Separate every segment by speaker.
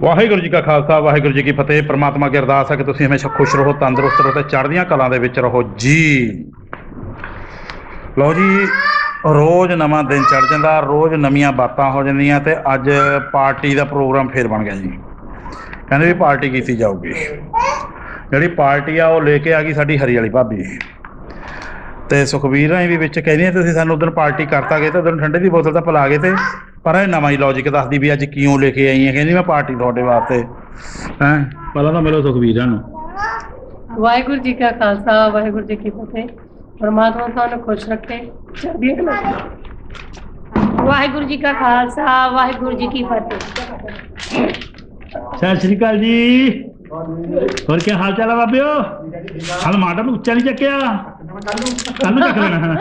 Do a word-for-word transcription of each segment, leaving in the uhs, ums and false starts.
Speaker 1: ਵਾਹਿਗੁਰੂ ਜੀ ਕਾ ਖਾਲਸਾ ਵਾਹਿਗੁਰੂ ਜੀ ਕੀ ਫਤਿਹ। परमात्मा की अरदास है कि तुसीं हमेशा खुश रहो, तंदुरुस्त रहो, चढ़दियां कलां दे विच रहो जी। लो जी, रोज़ नवां दिन चढ़ जांदा, रोज़ नवीआं बातां हो जांदियां ते अज पार्टी का प्रोग्राम फिर बन गया जी। कहंदे भी पार्टी कीती जाऊगी। जिहड़ी पार्टी आ वो लेके आ गई साडी हरी वाली भाभी ते सुखबीर राही भी विच कहंदी तुसीं सानूं उदण पार्टी करता गए तो उदण ठंडे की बोतल तां पिला गए थे, पर ਇਹ ਨਵਾਂ ਹੀ ਲੌਜਿਕ ਦੱਸਦੀ ਵੀ ਅੱਜ ਕਿਉਂ ਲੈ ਕੇ ਆਈ ਹੈ। ਕਹਿੰਦੀ ਮੈਂ ਪਾਰਟੀ ਤੁਹਾਡੇ ਵਾਸਤੇ ਹੈਂ। ਪਹਿਲਾਂ ਤਾਂ ਮਿਲੋ ਸੁਖਬੀਰਾਂ ਨੂੰ।
Speaker 2: ਵਾਹਿਗੁਰੂ ਜੀ ਕਾ ਖਾਲਸਾ ਵਾਹਿਗੁਰੂ ਜੀ ਕੀ ਫਤਿਹ। ਪਰਮਾਤਮਾ ਤੁਹਾਨੂੰ ਖੁਸ਼ ਰੱਖੇ, ਚੜ੍ਹਦੀ ਕਲਾ। ਵਾਹਿਗੁਰੂ ਜੀ ਕਾ ਖਾਲਸਾ ਵਾਹਿਗੁਰੂ ਜੀ ਕੀ ਫਤਿਹ।
Speaker 1: ਸਤਿ ਸ਼੍ਰੀ ਅਕਾਲ ਜੀ। ਹੋਰ ਕੀ ਹਾਲ ਚਾਲ ਹੈ ਬਾਬਿਓ? ਹਾਲ ਮਾਡਲ ਉੱਚਾ ਨਹੀਂ ਚੱਕਿਆ, ਕੱਲ ਨੂੰ ਚੱਕ ਲੈਣਾ।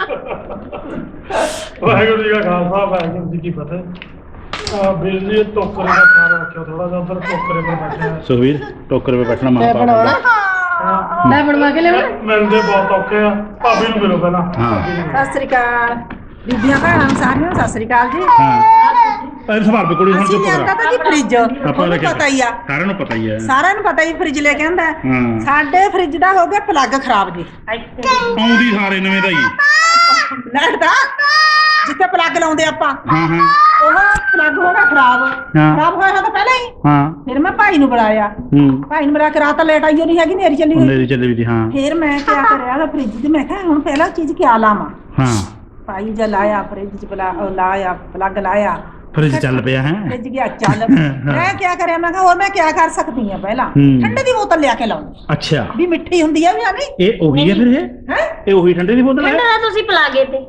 Speaker 3: ਵਾਹਿਗੁਰੂ ਜੀ ਕਾ ਖਾਲਸਾ ਵਾਹਿਗੁਰੂ ਜੀ ਕੀ ਫਤਿਹ। ਵੀਰ ਜੀ ਟੋਕਰੇ ਦਾ ਖਿਆਲ ਰੱਖਿਓ ਥੋੜਾ ਜਿਹਾ, ਉਧਰ ਟੋਕਰੇ 'ਤੇ ਬੈਠੇ ਆ।
Speaker 1: ਸੁਖਬੀਰ ਟੋਕਰੇ 'ਤੇ ਬੈਠਣਾ ਮਾਂ ਪਾ
Speaker 2: ਮੈਂ ਬਣਵਾ ਕੇ ਲਿਆਵਾਂ।
Speaker 3: ਮਿਲਦੇ ਬਹੁਤ ਔਖੇ ਆ, ਭਾਬੀ ਨੂੰ ਮਿਲੋ ਪਹਿਲਾਂ।
Speaker 1: ਹਾਂ
Speaker 4: ਸਤਿ ਸ੍ਰੀ ਅਕਾਲ ਬੀਬੀਆਂ ਭੈਣਾਂ ਸਾਰਿਆਂ ਨੂੰ ਸਤਿ ਸ੍ਰੀ ਅਕਾਲ ਜੀ।
Speaker 1: ਹਾਂ ਪਹਿਲਾਂ ਸਵਾਲ ਵੀ ਕੁੜੀ ਹੁਣ
Speaker 4: ਅਸੀਂ
Speaker 1: ਚੁੱਪ
Speaker 4: ਲਿਆਂਦਾ
Speaker 1: ਕਰਾ।
Speaker 4: ਤਾਂ ਜੀ ਫ੍ਰਿਜ, ਤੁਹਾਨੂੰ ਪਤਾ ਹੀ ਆ,
Speaker 1: ਸਾਰਿਆਂ ਨੂੰ ਪਤਾ ਹੀ ਹੈ।
Speaker 4: ਸਾਰਿਆਂ ਨੂੰ ਪਤਾ ਹੀ ਫ੍ਰਿਜ ਲੈ ਕੇ ਆਂਦਾ।
Speaker 1: ਹਾਂ
Speaker 4: ਸਾਡੇ ਫ੍ਰਿਜ ਦਾ ਹੋ ਗਿਆ ਪਲੱਗ ਖਰਾਬ ਜੀ।
Speaker 1: ਆਉਂਦੀ ਸਾਰੇ ਨਵੇਂ ਦਾ ਹੀ।
Speaker 4: ਲਾਈਟ ਦਾ ਜਿੱਥੇ ਪਲੱਗ ਲਾਉਂਦੇ ਆਪਾਂ,
Speaker 1: ਹਾਂ ਹਾਂ
Speaker 4: ਉਹ ਪਲੱਗ ਹੋ ਗਿਆ ਖਰਾਬ।
Speaker 1: ਹਾਂ।
Speaker 4: ਖਰਾਬ ਹੋਇਆ ਤਾਂ ਪਹਿਲਾਂ ਹੀ।
Speaker 1: ਹਾਂ
Speaker 4: ਫਿਰ ਮੈਂ ਭਾਈ ਨੂੰ ਬੁਲਾਇਆ,
Speaker 1: ਹੂੰ
Speaker 4: ਭਾਈ ਨੂੰ ਬੁਲਾ ਕੇ ਰਾਤ ਲੇਟ ਆਈ ਨਹੀਂ ਹੈਗੀ, ਨੇਰੀ ਚੱਲੀ ਹੋਈ।
Speaker 1: ਮੇਰੀ ਚੱਲੀ ਵੀ ਸੀ। ਹਾਂ
Speaker 4: ਫਿਰ ਮੈਂ ਕਿਆ ਕਰਿਆ ਉਹਦਾ ਫ੍ਰਿਜ ਤੇ, ਮੈਂ ਕਿਹਾ ਹੁਣ ਪਹਿਲਾਂ ਚੀਜ਼ ਕਿਆ ਲਾਵਾਂ।
Speaker 1: ਹਾਂ
Speaker 4: ਭਾਈ ਜਦ ਲਾਇਆ ਫ੍ਰਿਜ ਚ ਬੁਲਾ ਉਹ ਲਾਇਆ ਪਲੱਗ ਲਾਇਆ,
Speaker 1: ਫ੍ਰਿਜ ਚੱਲ ਪਿਆ ਹੈ।
Speaker 4: ਫ੍ਰਿਜ ਗਿਆ ਚੱਲ। ਮੈਂ ਕਿਆ ਕਰਿਆ, ਮੈਂ ਕਿਹਾ ਹੋਰ ਮੈਂ ਕਿਆ ਕਰ ਸਕਦੀ ਆ, ਪਹਿਲਾਂ
Speaker 1: ਹੂੰ।
Speaker 4: ਠੰਡੇ ਦੀ ਬੋਤਲ ਲਿਆ ਕੇ ਲਾਉਂਦੀ
Speaker 1: ਅੱਛਾ
Speaker 4: ਵੀ ਮਿੱਠੀ ਹੁੰਦੀ ਆ ਵੀ ਆ ਨਹੀਂ
Speaker 1: ਇਹ ਉਹੀ ਹੈ ਫਿਰ? ਇਹ
Speaker 4: ਹੈ।
Speaker 1: ਇਹ ਉਹੀ ਠੰਡੇ ਦੀ ਬੋਤਲ ਹੈ?
Speaker 5: ਠੰਡਾ ਤੁਸੀਂ ਪਿਲਾ ਗਏ ਤੇ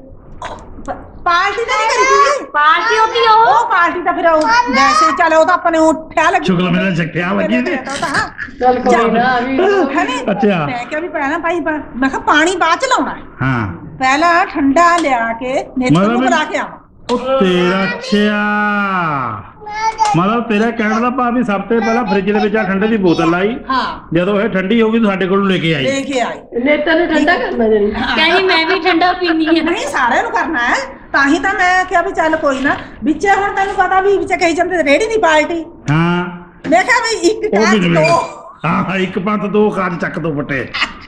Speaker 4: ਪਾਰਟੀ ਤਾਂ ਨਹੀਂ ਕਰੀ ਸੀ
Speaker 5: ਪਾਰਟੀ ਹੋਤੀ ਉਹ
Speaker 4: ਉਹ ਪਾਰਟੀ ਤਾਂ ਫਿਰ ਉਹ ਵੈਸੇ ਚੱਲ ਉਹ ਤਾਂ ਆਪਣੇ ਉੱਠਿਆ ਲੱਗੀ
Speaker 1: ਸ਼ੁਕਰ ਮੇਰਾ ਜੱਟਿਆ ਲੱਗੀ ਤੇ।
Speaker 2: ਚੱਲ ਕੋਈ ਨਾ ਵੀ
Speaker 4: ਹੈ ਨੀ?
Speaker 1: ਅੱਛਾ
Speaker 4: ਮੈਂ ਕਿਹਾ ਵੀ ਪਹਿਲਾਂ ਭਾਈ ਪਾ- ਮੈਂ ਕਿਹਾ ਪਾਣੀ ਬਾਅਦ ਚ ਲਾਉਣਾ ਹੈ,
Speaker 1: ਹਾਂ
Speaker 4: ਪਹਿਲਾਂ ਠੰਡਾ ਲਿਆ ਕੇ ਨੇਤਰ ਨੂੰ
Speaker 1: ਮਤਲਬ-
Speaker 4: ਬੁਲਾ ਕੇ ਆਵਾਂ।
Speaker 1: ਉਹ ਤੇਰਾ ਅੱਛਾ ਮਤਲਬ ਤੇਰਾ ਕਹਿਣ ਦਾ ਭਾਵ ਵੀ ਸਭ ਤੋਂ ਪਹਿਲਾਂ ਫ੍ਰਿਜ ਦੇ ਵਿੱਚ ਆ ਠੰਡੇ ਦੀ ਬੋਤਲ ਲਾਈ,
Speaker 4: ਹਾਂ
Speaker 1: ਜਦੋਂ ਇਹ ਠੰਡੀ ਹੋ ਗਈ ਤੂੰ ਸਾਡੇ ਕੋਲ ਲੈ ਕੇ ਆਈ।
Speaker 4: ਲੈ ਕੇ ਆਈ।
Speaker 2: ਨੇਤਾ ਨੂੰ ਠੰਡਾ ਕਰਨਾ ਜਿਹੜੀ
Speaker 5: ਕਹਿੰਦੀ ਮੈਂ ਵੀ ਠੰਡਾ ਪੀਣੀ ਆ।
Speaker 4: ਨਹੀਂ ਸਾਰਿਆਂ ਨੂੰ ਕਰਨਾ ਹੈ, ਤਾਂ ਹੀ ਤਾਂ ਮੈਂ ਕਿਹਾ ਵੀ ਚੱਲ ਕੋਈ ਨਾ ਵਿੱਚ ਹੁਣ ਤੈਨੂੰ ਪਤਾ ਵੀ ਵਿੱਚ ਕਹੀ ਜਾਂਦੇ ਰੇੜੀ ਦੀ ਪਾਰਟੀ।
Speaker 1: ਹਾਂ
Speaker 4: ਮੈਂ ਕਿਹਾ ਵੀ ਇੱਕ
Speaker 1: ਉਹ ਵੀ
Speaker 4: ਕਾਜ
Speaker 1: ਜਿਵੇਂ
Speaker 4: ਦੋ
Speaker 1: ਹਾਂ ਹਾਂ ਇੱਕ ਪੰਤ ਦੋ ਕਾਜ ਚੱਕ ਦੋ ਫਟੇ।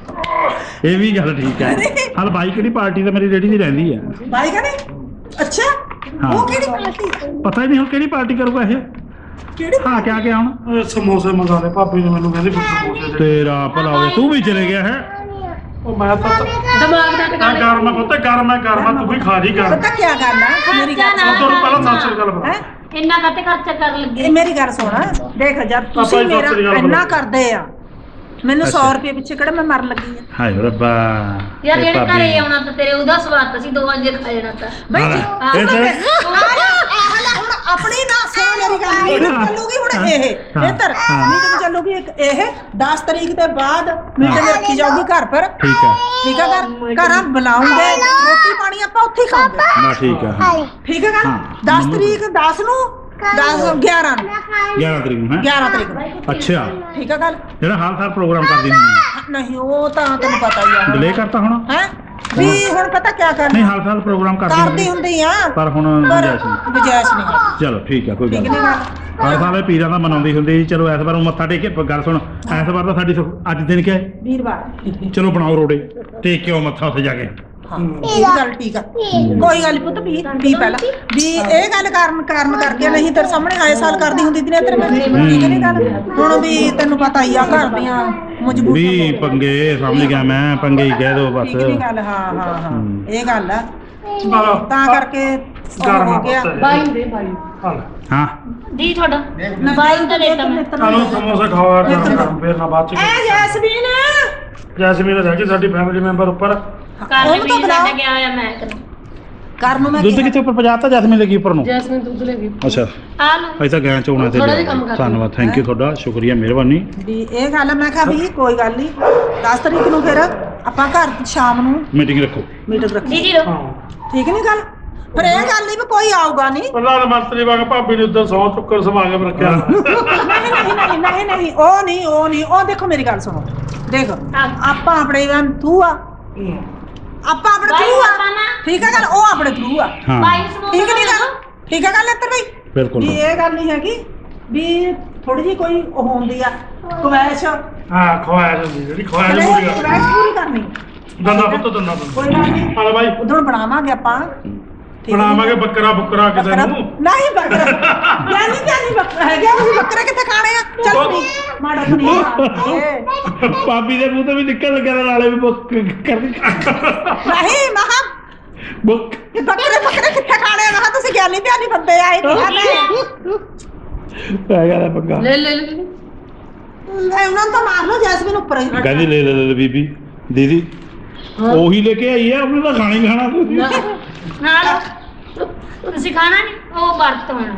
Speaker 1: ਇਹ ਵੀ ਗੱਲ ਠੀਕ ਹੈ। ਹਲ ਬਾਈ ਕਿਹੜੀ ਪਾਰਟੀ ਤਾਂ ਮੇਰੀ ਰੇੜੀ ਦੀ ਰਹਿੰਦੀ ਹੈ।
Speaker 4: ਬਾਈ ਕਹਿੰਦੇ ਅੱਛਾ
Speaker 1: ਹਾਂ।
Speaker 4: ਉਹ ਕਿਹੜੀ ਪਾਰਟੀ?
Speaker 1: ਪਤਾ ਹੀ ਨਹੀਂ ਹੁਣ ਕਿਹੜੀ ਪਾਰਟੀ ਕਰੂਗਾ ਇਹ।
Speaker 4: ਕਿਹੜੀ
Speaker 1: ਹਾਂ ਕਿਆ ਕਿਆ ਹੁਣ
Speaker 3: ਇਹ ਸਮੋਸੇ ਮੰਗਾ ਲੈ, ਭਾਬੀ ਨੂੰ ਮੈਨੂੰ ਕਹਿੰਦੀ ਫਿਰ ਸਮੋਸੇ ਦੇ।
Speaker 1: ਤੇਰਾ ਭਲਾ ਹੋਵੇ, ਤੂੰ ਵੀ ਚਲੇ ਗਿਆ ਹੈ।
Speaker 3: ਉਹ ਮੈਂ ਤਾਂ
Speaker 2: ਦਿਮਾਗ ਦਾ
Speaker 3: ਆ
Speaker 2: ਟਿਕਾਣੇ
Speaker 3: ਗਰਮ ਪਤਾ ਗਰਮ ਹੈ ਗਰਮ ਹੈ, ਤੂੰ ਵੀ ਖਾ ਜੀ ਗਰਮ।
Speaker 4: ਪਤਾ ਕੀ ਗੱਲ ਆ ਮੇਰੀ ਗੱਲ
Speaker 3: ਉਹ ਤੋਂ ਪਹਿਲਾਂ ਸਤਿ ਸ੍ਰੀ ਅਕਾਲ ਬੁਲਾ।
Speaker 4: ਹੈ
Speaker 5: ਇੰਨਾ ਕਾਤੇ ਖਰਚਾ ਕਰਨ ਲੱਗੇ?
Speaker 4: ਇਹ ਮੇਰੀ ਗੱਲ ਸੁਣ, ਦੇਖ ਜਦ
Speaker 3: ਪਾਪਾ
Speaker 4: ਤੁਸੀਂ
Speaker 3: ਜੀ ਸਤਿ ਸ੍ਰੀ
Speaker 4: ਮੇਰਾ
Speaker 3: ਅਕਾਲ
Speaker 4: ਇੰਨਾ
Speaker 3: ਬੁਲਾਓ।
Speaker 4: ਕਰਦੇ ਆ, ਮੈਨੂੰ
Speaker 1: ਅੱਛਾ।
Speaker 4: ਸੌ ਰੁਪਏ ਪਿੱਛੇ ਕਿਹੜਾ ਮੈਂ ਮਰਨ ਲੱਗੀ ਆ।
Speaker 1: ਹਾਏ ਰੱਬਾ
Speaker 5: ਯਾਰ
Speaker 1: ਇਹ
Speaker 5: ਜਿਹੜੇ
Speaker 1: ਭਾਬੀ।
Speaker 5: ਘਰੇ ਆਉਣਾ ਤਾਂ ਤੇਰੇ ਉਹਦਾ ਸਵਾਦ ਸੀ, ਦੋ ਵਜੇ ਖਾ ਜਾਣਾ ਤਾਂ।
Speaker 4: ਬਈ
Speaker 1: ਹਾਂ।
Speaker 4: ਜੀ,
Speaker 1: ਇਹ
Speaker 4: ਹੁਣ
Speaker 1: ਤਾਂ-
Speaker 4: ਮੈਂ- ਆ ਜਾ, ਆ ਲੈ ਹੁਣ ਆਪਣੀ ਨਾ ਸੁਣ ਮੇਰੀ ਗੱਲ, ਮੀਟਿੰਗ ਚੱਲੂਗੀ ਹੁਣ ਇਹ
Speaker 1: ਹਾਂ।
Speaker 4: ਬਿਹਤਰ
Speaker 1: ਹਾਂ।
Speaker 4: ਮੀਟਿੰਗ ਚੱਲੂਗੀ ਇੱਕ ਇਹ ਦਸ ਤਰੀਕ ਦੇ ਬਾਅਦ ਮੀਟਿੰਗ ਰੱਖੀ ਜਾਊਗੀ ਘਰ ਪਰ।
Speaker 1: ਠੀਕ ਹੈ
Speaker 4: ਠੀਕ ਹੈ ਘਰ ਘਰਾਂ ਬੁਲਾਉਂਗੇ, ਰੋਟੀ ਪਾਣੀ ਆਪਾਂ ਉੱਥੇ ਹੀ ਖਾਵਾਂਗੇ।
Speaker 1: ਨਾ ਠੀਕ ਹੈ ਹਾਂ।
Speaker 4: ਠੀਕ ਹੈ ਗੱਲ
Speaker 1: ਹਾਂ।
Speaker 4: ਦਸ ਤਰੀਕ ਦਸ ਨੂੰ ਦਸ ਗਿਆਰਾਂ ਨੂੰ
Speaker 1: ਗਿਆਰਾਂ ਤਰੀਕ ਨੂੰ ਹੈ।
Speaker 4: ਗਿਆਰਾਂ ਤਰੀਕ ਨੂੰ
Speaker 1: ਅੱਛਾ
Speaker 4: ਠੀਕ ਹੈ ਗੱਲ।
Speaker 1: ਜਿਹੜਾ ਹਾਲ ਸਾਲ ਪ੍ਰੋਗਰਾਮ ਕਰਦੀ ਹੁੰਦੀ
Speaker 4: ਨਹੀਂ ਉਹ ਤਾਂ ਤੈਨੂੰ ਪਤਾ ਹੀ ਆ
Speaker 1: ਡਿਲੇ ਕਰਤਾ ਹੁਣ।
Speaker 4: ਹੈ ਵੀ ਹੁਣ ਪਤਾ ਕੀ
Speaker 1: ਨਹੀਂ
Speaker 4: ਕਰਨਾ
Speaker 1: ਹਾਲ ਸਾਲ ਪ੍ਰੋਗਰਾਮ ਕਰਦੀ
Speaker 4: ਕਰਦੀ ਹੁੰਦੀ ਆ
Speaker 1: ਪਰ ਹੁਣ
Speaker 4: ਪਰ
Speaker 1: ਗੁੰਜਾਇਸ਼ ਨਹੀਂ।
Speaker 4: ਗੁੰਜਾਇਸ਼ ਨਹੀਂ।
Speaker 1: ਚਲੋ ਠੀਕ ਹੈ ਕੋਈ ਗੱਲ
Speaker 4: ਠੀਕ
Speaker 1: ਨਹੀਂ।
Speaker 4: ਨਹੀਂ ਗੱਲ
Speaker 1: ਹਰ ਸਾਲ ਇਹ ਪੀਰਾਂ ਦਾ ਮਨਾਉਂਦੀ ਹੁੰਦੀ ਸੀ। ਚਲੋ ਇਸ ਵਾਰ ਮੱਥਾ ਟੇਕ ਕੇ ਗੱਲ ਸੁਣ, ਇਸ ਵਾਰ ਤਾਂ ਸਾਡੀ ਸੁਖ- ਅੱਜ ਦਿਨ ਕਿਆ ਹੈ?
Speaker 4: ਵੀਰਵਾਰ।
Speaker 1: ਚਲੋ ਬਣਾਓ ਰੋੜੇ, ਟੇਕ ਕੇ ਆਓ ਮੱਥਾ ਉੱਥੇ ਜਾ ਕੇ।
Speaker 4: ਹਾਂ ਇਹ ਗੱਲ ਠੀਕ ਆ, ਕੋਈ ਗੱਲ ਨੀ ਪੁੱਤ ਵੀ ਵੀ ਪਹਿਲਾਂ ਵੀ ਇਹ ਗੱਲ ਕਾਰਨ ਕਾਰਨ ਕਰਕੇ ਨਹੀਂ ਤੇਰੇ ਸਾਹਮਣੇ ਆਏ ਸਾਲ ਕਰਦੀ ਹੁੰਦੀ ਸੀ ਤੇਰੇ ਮੈਂ ਠੀਕ ਨਹੀਂ ਗੱਲ। ਹੁਣ ਵੀ ਤੈਨੂੰ ਪਤਾ ਹੀ ਆ ਘਰ ਦੀਆਂ ਮਜਬੂਰੀਆਂ
Speaker 1: ਵੀ ਪੰਗੇ ਸਮਝ ਗਿਆ ਮੈਂ, ਪੰਗੇ ਹੀ ਕਹਿ ਦੋ ਬਸ।
Speaker 4: ਠੀਕ ਨਹੀਂ ਗੱਲ। ਹਾਂ ਹਾਂ ਹਾਂ
Speaker 1: ਹੂੰ।
Speaker 4: ਇਹ ਗੱਲ ਆ,
Speaker 3: ਚਲੋ
Speaker 4: ਤਾਂ ਕਰਕੇ ਉਹ
Speaker 3: ਗਰਮ
Speaker 4: ਹੋ ਗਿਆ।
Speaker 2: ਬਾਈ ਦੇ ਬਾਈ
Speaker 3: ਹਾਲ
Speaker 1: ਹਾਂ
Speaker 5: ਦੀ ਤੁਹਾਡਾ ਬਾਈ ਤਾਂ ਦੇਤਾ ਮੈਂ।
Speaker 3: ਚਲੋ ਸਮੋਸੇ ਖਾਵਾ ਗਰਮ ਗਰਮ, ਫੇਰ ਨਾ ਬਾਅਦ ਚ।
Speaker 4: ਐ ਜੈਸਮੀਨ
Speaker 3: ਜੈਸਮੀਨ ਰਹਿ ਗਈ ਸਾਡੀ ਫੈਮਿਲੀ ਮੈਂਬਰ ਉੱਪਰ।
Speaker 5: ਕਾਲੇ
Speaker 4: ਉਹਨੂੰ ਤਾਂ
Speaker 5: ਵੀ
Speaker 4: ਬੁਲਾਓ।
Speaker 5: ਛੱਡ ਗਿਆ ਹੋਇਆ ਮੈਂ ਤੈਨੂੰ।
Speaker 4: ਕਰ ਨੂੰ ਮੈਂ
Speaker 1: ਦੁੱਧ ਕਿੱਥੇ ਉੱਪਰ ਪਜਾਤਾ ਜੈਸਮੀਨ ਲੱਗੀ ਉੱਪਰ ਨੂੰ?
Speaker 2: ਜੈਸਮੀਨ ਦੁੱਧ ਲੈ ਗਈ।
Speaker 1: ਅੱਛਾ
Speaker 5: ਆ ਲਓ।
Speaker 1: ਅਸੀਂ ਤਾਂ ਗੈਂ ਚੋਣਾ ਤੇ
Speaker 2: ਥੋੜ੍ਹਾ ਜਿਹਾ ਕੰਮ ਕਰ।
Speaker 1: ਧੰਨਵਾਦ, ਥੈਂਕ ਯੂ ਤੁਹਾਡਾ, ਸ਼ੁਕਰੀਆ, ਮਿਹਰਬਾਨੀ।
Speaker 4: ਵੀ ਇਹ ਗੱਲ ਆ, ਮੈਂ ਕਿਹਾ ਵੀ ਕੋਈ ਗੱਲ ਨਹੀਂ ਦਸ ਤਰੀਕ ਨੂੰ ਫਿਰ ਆਪਾਂ ਘਰ ਸ਼ਾਮ ਨੂੰ
Speaker 1: ਮੀਟਿੰਗ ਰੱਖੋ।
Speaker 4: ਮੀਟਿੰਗ ਰੱਖੀ।
Speaker 5: ਦੀਦੀ ਰੋ
Speaker 3: ਹਾਂ
Speaker 4: ਠੀਕ ਨਹੀਂ ਗੱਲ। ਪਰ ਇਹ ਗੱਲ ਨਹੀਂ ਵੀ ਕੋਈ ਆਊਗਾ ਨਹੀਂ।
Speaker 3: ਪ੍ਰਧਾਨ ਮੰਤਰੀ ਵਾਂਗ ਭਾਬੀ ਨੇ ਉਦੋਂ ਸੌ ਚੁੱਕਰ ਸਮਾਗਮ ਰੱਖਿਆ।
Speaker 4: ਨਹੀਂ ਨਹੀਂ ਨਹੀਂ ਨਹੀਂ ਨਹੀਂ ਉਹ ਨਹੀਂ ਉਹ ਨਹੀਂ ਉਹ ਦੇਖੋ ਮੇਰੀ ਗੱਲ ਸੁਣੋ, ਦੇਖ ਆਪਾਂ ਆਪਣੇ ਥਰੂ ਆ, ਆਪਾਂ ਆਪਣੇ
Speaker 5: ਬਾਈ
Speaker 4: ਥਰੂ
Speaker 5: ਆਪਾਂ
Speaker 4: ਆ,
Speaker 5: ਨਾ
Speaker 4: ਠੀਕ ਹੈ ਗੱਲ, ਉਹ ਆਪਣੇ ਥਰੂ ਆ।
Speaker 1: ਹਾਂ
Speaker 5: ਬਾਈ ਸਮੋਸੇ
Speaker 4: ਠੀਕ ਨਹੀਂ ਗੱਲ, ਠੀਕ ਹੈ ਗੱਲ ਇੱਧਰ ਬਈ
Speaker 1: ਬਿਲਕੁਲ
Speaker 4: ਵੀ ਇਹ ਗੱਲ ਨਹੀਂ ਹੈਗੀ ਵੀ ਥੋੜੀ ਜਿਹੀ ਕੋਈ ਉਹ ਹੁੰਦੀ ਆ ਕਵੈਸ਼
Speaker 3: ਹਾਂ ਖਵਾਇਆ ਜਾਂਦੀ ਜਿਹੜੀ ਖਵਾਇਆ ਜਾਂਦੀ ਹੈ
Speaker 4: ਕਵੈਸ਼ ਪੂਰੀ ਕਰਨੀ
Speaker 3: ਦੰਦਾ ਪੁੱਤ ਦੰਦਾ ਪੁੱਤ
Speaker 4: ਕੋਈ ਗੱਲ ਨਹੀਂ
Speaker 3: ਹਾਲ ਬਾਈ
Speaker 4: ਉਦੋਂ ਬਣਾਵਾਂਗੇ ਆਪਾਂ ਠੀਕ ਹੈ।
Speaker 3: ਬਣਾਵਾਂਗੇ ਬੱਕਰਾ ਬੁੱਕਰਾ ਕਿਸੇ
Speaker 4: ਬੱਕਰਾ
Speaker 3: ਨੂੰ
Speaker 4: ਨਹੀਂ ਬੱਕਰਾ ਗਿਆਨੀ ਗਿਆਨੀ ਬੱਕਰਾ ਹੈਗਾ ਤੁਸੀਂ ਬੱਕਰੇ ਕਿੱਥੇ ਖਾਣੇ ਆ ਚੱਲ ਪੀ ਮਾੜਾ ਪਨੀਰ
Speaker 1: ਭਾਬੀ ਦੇ ਮੂੰਹ ਤੋਂ ਵੀ ਨਿਕਲ ਲੱਗਿਆ ਨਾਲੇ ਵੀ ਬੁੱਕ ਕਰਨੀ
Speaker 4: ਨਹੀਂ ਮਹਾ
Speaker 1: ਬੁੱਕ
Speaker 4: ਬੱਕਰੇ ਬੱਕਰੇ ਕਿੱਥੇ ਖਾਣੇ ਆ ਮਹਾ ਤੁਸੀਂ ਗਿਆਨੀ ਗਿਆਨੀ ਬੰਦੇ ਆਏ ਕਿਹਾ
Speaker 1: ਪੈ ਗਿਆ ਪੰਗਾ
Speaker 2: ਲੈ ਲੈ ਲੈ
Speaker 4: ਮੈਂ ਉਹਨਾਂ ਨੂੰ ਤਾਂ ਮਾਰ ਲਓ ਜੈਸਮੀਨ ਉੱਪਰ ਹੀ
Speaker 1: ਕਹਿੰਦੀ ਲੈ ਲੈ ਲੈ ਬੀਬੀ ਦੀਦੀ ਉਹੀ ਲੈ ਕੇ ਆਈ ਆ ਉਹਨੇ ਤਾਂ ਖਾਣਾ ਹੀ ਖਾਣਾ ਤੁਸੀਂ
Speaker 5: ਨਾਲ ਤੁਸੀਂ ਖਾਣਾ ਨਹੀਂ ਉਹ ਵਰਤ ਹੋਣਾ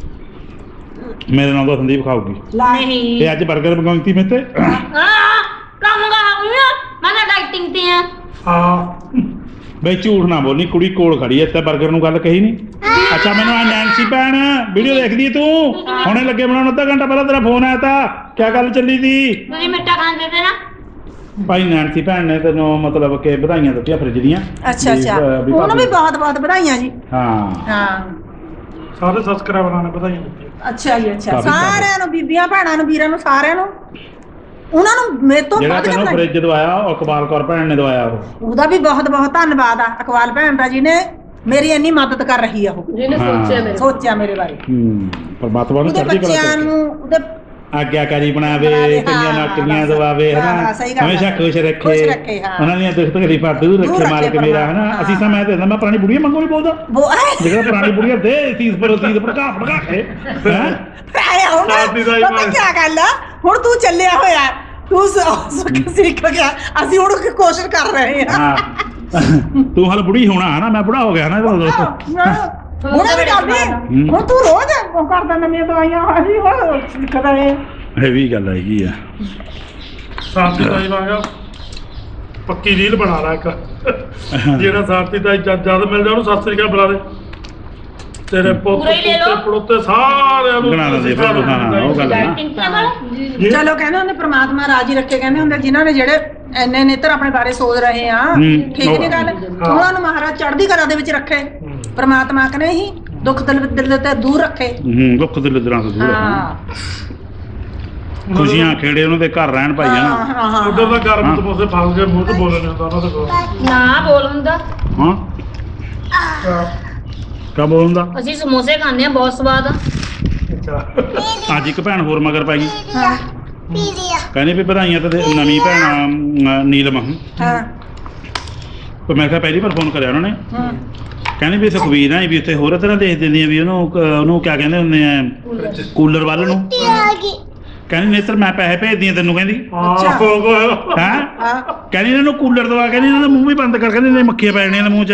Speaker 1: ਮੇਰੇ ਨਾਲ ਤਾਂ ਸੰਦੀਪ ਖਾਊਗੀ
Speaker 5: ਨਹੀਂ
Speaker 1: ਇਹ ਅੱਜ 버ਗਰ ਮੰਗਾਉਣੀ ਸੀ ਮੇਤੇ
Speaker 5: ਹਾਂ ਕਮਗਾ ਹੋਇਆ ਮੈਂ ਤਾਂ ਡਾਈਟਿੰਗ ਤੇ ਆ
Speaker 3: ਹਾਂ
Speaker 1: ਬਈ ਝੂਠ ਨਾ ਬੋਲੀ ਕੁੜੀ ਕੋਲ ਖੜੀ ਐ ਤੇ 버ਗਰ ਨੂੰ ਗੱਲ ਕਹੀ ਨਹੀਂ ਅੱਛਾ ਮੈਨੂੰ ਆ ਨੈਂਸੀ ਭੈਣ ਵੀਡੀਓ ਦੇਖਦੀ ਐ ਤੂੰ ਹੁਣੇ ਲੱਗੇ ਬਣਾਉਣ ਅੱਧਾ ਘੰਟਾ ਪਹਿਲਾਂ ਤੇਰਾ ਫੋਨ ਆਇਆ ਤਾਂ ਕੀ ਗੱਲ ਚੱਲੀ ਸੀ
Speaker 5: ਤੁਸੀਂ ਮਿੱਠਾ ਖਾਂਦੇ ਤੇ ਨਾ
Speaker 1: ਭਾਈ ਨੈਂਸੀ ਭੈਣ ਨੇ ਤੈਨੂੰ ਮਤਲਬ ਕਿ ਵਧਾਈਆਂ ਦਿੱਤੀਆਂ ਫ੍ਰਿਜ ਦੀਆਂ
Speaker 4: ਅੱਛਾ
Speaker 1: ਵੀ,
Speaker 4: ਅੱਛਾ
Speaker 1: ਅਹ, ਵੀ
Speaker 4: ਉਹਨੂੰ ਵੀ
Speaker 1: ਭਾਬੀ-
Speaker 4: ਬਹੁਤ ਬਹੁਤ ਵਧਾਈਆਂ ਜੀ
Speaker 1: ਹਾਂ
Speaker 4: ਹਾਂ
Speaker 3: ਸਾਰੇ ਸਬਸਕ੍ਰਾਈਬਰਾਂ ਨੇ ਵਧਾਈਆਂ ਦਿੱਤੀਆਂ
Speaker 4: ਅੱਛਾ ਜੀ ਅੱਛਾ
Speaker 1: ਕਾਫੀ ਸਾਰੇ।
Speaker 4: ਸਾਰਿਆਂ ਨੂੰ ਬੀਬੀਆਂ ਭੈਣਾਂ ਨੂੰ ਵੀਰਾਂ ਨੂੰ ਸਾਰਿਆਂ ਨੂੰ ਉਹਨਾਂ ਨੂੰ ਮੇਰੇ ਤੋਂ
Speaker 1: ਜਿਹੜਾ
Speaker 4: ਵੱਧ
Speaker 1: ਤੈਨੂੰ
Speaker 4: ਕਰਨਾ
Speaker 1: ਫ੍ਰਿਜ ਦਵਾਇਆ ਉਹ ਇਕਬਾਲ ਕੌਰ ਭੈਣ ਨੇ ਦਵਾਇਆ ਉਹ
Speaker 4: ਉਹਦਾ ਵੀ ਬਹੁਤ ਬਹੁਤ ਧੰਨਵਾਦ ਆ ਅਕਵਾਲ ਭੈਣ ਦਾ ਜਿਹਨੇ ਮੇਰੀ ਇੰਨੀ ਮਦਦ ਕਰ ਰਹੀ ਆ ਉਹ
Speaker 2: ਜਿਹਨੇ
Speaker 1: ਹਾਂ।
Speaker 2: ਸੋਚਿਆ ਮੇਰੇ
Speaker 4: ਸੋਚਿਆ ਮੇਰੇ ਬਾਰੇ
Speaker 1: ਹੂੰ ਪਰਮਾਤਮਾ ਨੂੰ
Speaker 4: ਉਹਦੇ
Speaker 1: ਚੜ੍ਹਦੀ ਕਲਾ
Speaker 4: ਬੱਚਿਆਂ
Speaker 1: ਚ
Speaker 4: ਨੂੰ ਉਹਦੇ
Speaker 1: ਆਗਿਆਕਾਰੀ ਬਣਾਵੇ
Speaker 4: ਬਣਾਵੇ,
Speaker 1: ਕਈਆਂ
Speaker 4: ਹਾਂ,
Speaker 1: ਨੌਕਰੀਆਂ
Speaker 4: ਬਸ।
Speaker 1: ਦਵਾਵੇ
Speaker 4: ਹਾਂ,
Speaker 1: ਹਨਾ
Speaker 4: ਸਹੀ ਗੱਲ ਆ।
Speaker 1: ਹਮੇਸ਼ਾ ਖੁਸ਼ ਰੱਖੇ
Speaker 4: ਖੁਸ਼ ਰੱਖੇ, ਹਾਂ।
Speaker 1: ਉਹਨਾਂ ਦੀਆਂ ਦੁੱਖ ਤਕਲੀਫਾਂ ਦੂਰ
Speaker 4: ਦੂਰ
Speaker 1: ਰੱਖੇ
Speaker 4: ਰੱਖੇ
Speaker 1: ਮਾਲਕ ਮੇਰਾ ਹਨਾ
Speaker 4: ਪਰਮਾਤਮਾ,
Speaker 1: ਅਸੀਂ ਤਾਂ ਮੈਂ ਤੇ ਮੈਂ ਪੁਰਾਣੀ ਬੁੜੀਆਂ ਮੰਗੋ ਨਹੀਂ ਬੋਲਦਾ
Speaker 4: ਉਹ
Speaker 1: ਜਿਹੜਾ ਪੁਰਾਣੀ ਬੁੜੀਆਂ ਦੇ ਤੀਸ ਪਰ ਤੀਸ ਭੜਕਾ ਭੜਕਾ ਕੇ ਹੈਂ?
Speaker 4: ਆਏ ਹੁਣ
Speaker 3: ਸਾਡੀ ਦਾ ਹੀ
Speaker 4: ਪਤਾ
Speaker 3: ਬਸ।
Speaker 4: ਕੀ ਗੱਲ ਆ ਹੁਣ ਤੂੰ ਚੱਲਿਆ ਹੋਇਆ ਤੂੰ ਸ- ਸਿੱਖ ਗਿਆ ਅਸੀਂ ਹੁਣ ਕੋਸ਼ਿਸ਼ ਕਰ ਰਹੇ ਹਾਂ
Speaker 1: ਹਾਂ ਤੂੰ ਹਾਲ ਬੁੜੀ ਹੋਣਾ ਹਨਾ ਮੈਂ ਬੁੜਾ ਹੋ ਗਿਆ ਹਨਾ ਇਹਦਾ
Speaker 4: ਹੁਣ ਵੀ ਕਰਦੀ ਹੁਣ ਤੂੰ ਰੋਜ਼ ਉਹ ਕਰਦਾ ਨਵੀਆਂ ਦਵਾਈਆਂ ਅਸੀਂ ਹੁਣ ਸਿੱਖਦਾ ਏ
Speaker 1: ਇਹ ਵੀ ਗੱਲ ਹੈਗੀ ਆ
Speaker 3: ਸਾਥੀ ਤਾਈ ਵਾਂਗਾ ਪੱਕੀ ਰੀਲ ਬਣਾ ਲਾ ਇੱਕ ਜਿਹੜਾ ਸਾਥੀ ਤਾਈ ਜਦ ਜਦ ਮਿਲ ਜਾ ਉਹਨੂੰ ਸਤਿ ਸ੍ਰੀ ਅਕਾਲ ਬੁਲਾ ਦੇ ਤੇਰੇ ਪੁੱਤ
Speaker 5: ਪੂਰਾ ਹੀ ਲੈ ਲਓ।
Speaker 3: ਪੁੱਤੇ ਪੜੋਤੇ ਸਾਰਿਆਂ ਨੂੰ
Speaker 1: ਬਣਾ ਦਿੰਦੇ ਫਿਰ, ਹਾਂ, ਉਹ ਗੱਲ ਆ।
Speaker 5: ਡਾਈਟਿੰਗ ਤੇ ਵਾਲਾ
Speaker 3: ਜੀ।
Speaker 4: ਚਲੋ ਕਹਿੰਦੇ ਹੁੰਦੇ ਪ੍ਰਮਾਤਮਾ ਰਾਜੀ ਰੱਖੇ ਕਹਿੰਦੇ ਹੁੰਦੇ ਜਿਨ੍ਹਾਂ ਨੇ ਜਿਹੜੇ ਐਨੇ ਨੇਤਰ ਆਪਣੇ ਬਾਰੇ ਸੋਚ ਰਹੇ ਆ
Speaker 1: ਹੂੰ।
Speaker 4: ਠੀਕ ਨਹੀਂ ਗੱਲ ਉਹਨਾਂ ਨੂੰ ਮਹਾਰਾਜ ਚੜ੍ਹਦੀ ਕਲਾ ਦੇ ਵਿੱਚ ਰੱਖੇ ਪ੍ਰਮਾਤਮਾ ਕਨੇ ਹੀ ਦੁੱਖ ਦਿਲ ਦਿਲ ਤੇ ਦੂਰ ਰੱਖੇ
Speaker 1: ਹੂੰ ਦੁੱਖ ਦੇ ਲਦਰਾਂ ਤੋਂ ਦੂਰ
Speaker 4: ਹਾਂ
Speaker 1: ਖੁਸ਼ੀਆਂ ਖੇੜੇ ਉਹਨਾਂ ਦੇ ਘਰ ਰਹਿਣ ਭਾਈ
Speaker 4: ਹਾਂ
Speaker 1: ਹਨਾ
Speaker 4: ਹਾਂ ਹਾਂ
Speaker 3: ਉਧਰ ਦਾ
Speaker 1: ਹਾਂ।
Speaker 3: ਗਰਮ ਤਪੋਸੇ ਫਸ ਕੇ ਮੂੰਹ ਤੇ ਬੋਲਣੇ ਹੁੰਦਾ ਉਹਨਾਂ ਦੇ ਕੋਲ
Speaker 5: ਨਾ ਬੋਲ ਹੁੰਦਾ
Speaker 1: ਹਾਂ ਕਾ ਬੋਲਦਾ
Speaker 5: ਅਸੀਂ ਸਮੋਸੇ ਖਾਂਦੇ ਆ ਬਹੁਤ ਸਵਾਦ ਆ
Speaker 3: ਅੱਛਾ
Speaker 1: ਅੱਜ ਇੱਕ ਭੈਣ ਹੋਰ ਮਗਰ ਪੈ ਗਈ
Speaker 4: ਹਾਂ
Speaker 1: ਕਹਿੰਦੀ ਵੀ ਵਧਾਈਆਂ ਤੇ ਦੇ- ਨਵੀਂ ਭੈਣ ਅਮ, ਨੀਲਮ
Speaker 4: ਹਾਂ
Speaker 1: ਪਰ ਮੈਂ ਕਿਹਾ ਪਹਿਲੀ ਵਾਰ ਫੋਨ ਕਰਿਆ ਉਹਨਾਂ ਨੇ
Speaker 4: ਹਾਂ
Speaker 1: ਕਹਿੰਦੇ ਵੀ ਸੁਖਵੀਰ ਆ ਵੀ ਉੱਥੇ ਹੋਰ ਤਰ੍ਹਾਂ ਦੇਖ ਦਿੰਦੀਆਂ ਵੀ ਉਹਨੂੰ ਕ- ਉਹਨੂੰ ਕਿਆ ਕਹਿੰਦੇ ਹੁੰਦੇ ਆ ਕੂਲਰ ਵੱਲ ਨੂੰ ਕਹਿੰਦੀ ਨੇਤਰ ਮੈਂ ਪੈਸੇ ਭੇਜਦੀ ਆ ਤੈਨੂੰ ਕਹਿੰਦੀ
Speaker 4: ਅੱਛਾ।
Speaker 3: ਹਾਂ ਹੋ ਗਿਆ
Speaker 1: ਹੈ
Speaker 4: ਹਾਂ
Speaker 1: ਕਹਿੰਦੀ ਇਹਨਾਂ ਨੂੰ ਕੂਲਰ ਦਵਾ ਕਹਿੰਦੀ ਇਹਨਾਂ ਦਾ ਮੂੰਹ ਵੀ ਬੰਦ ਕਰ ਕਹਿੰਦੀ ਨੇ ਮੱਖੀਆਂ ਪੈ ਜਾਣੀਆਂ ਨੇ ਮੂੰਹ 'ਚ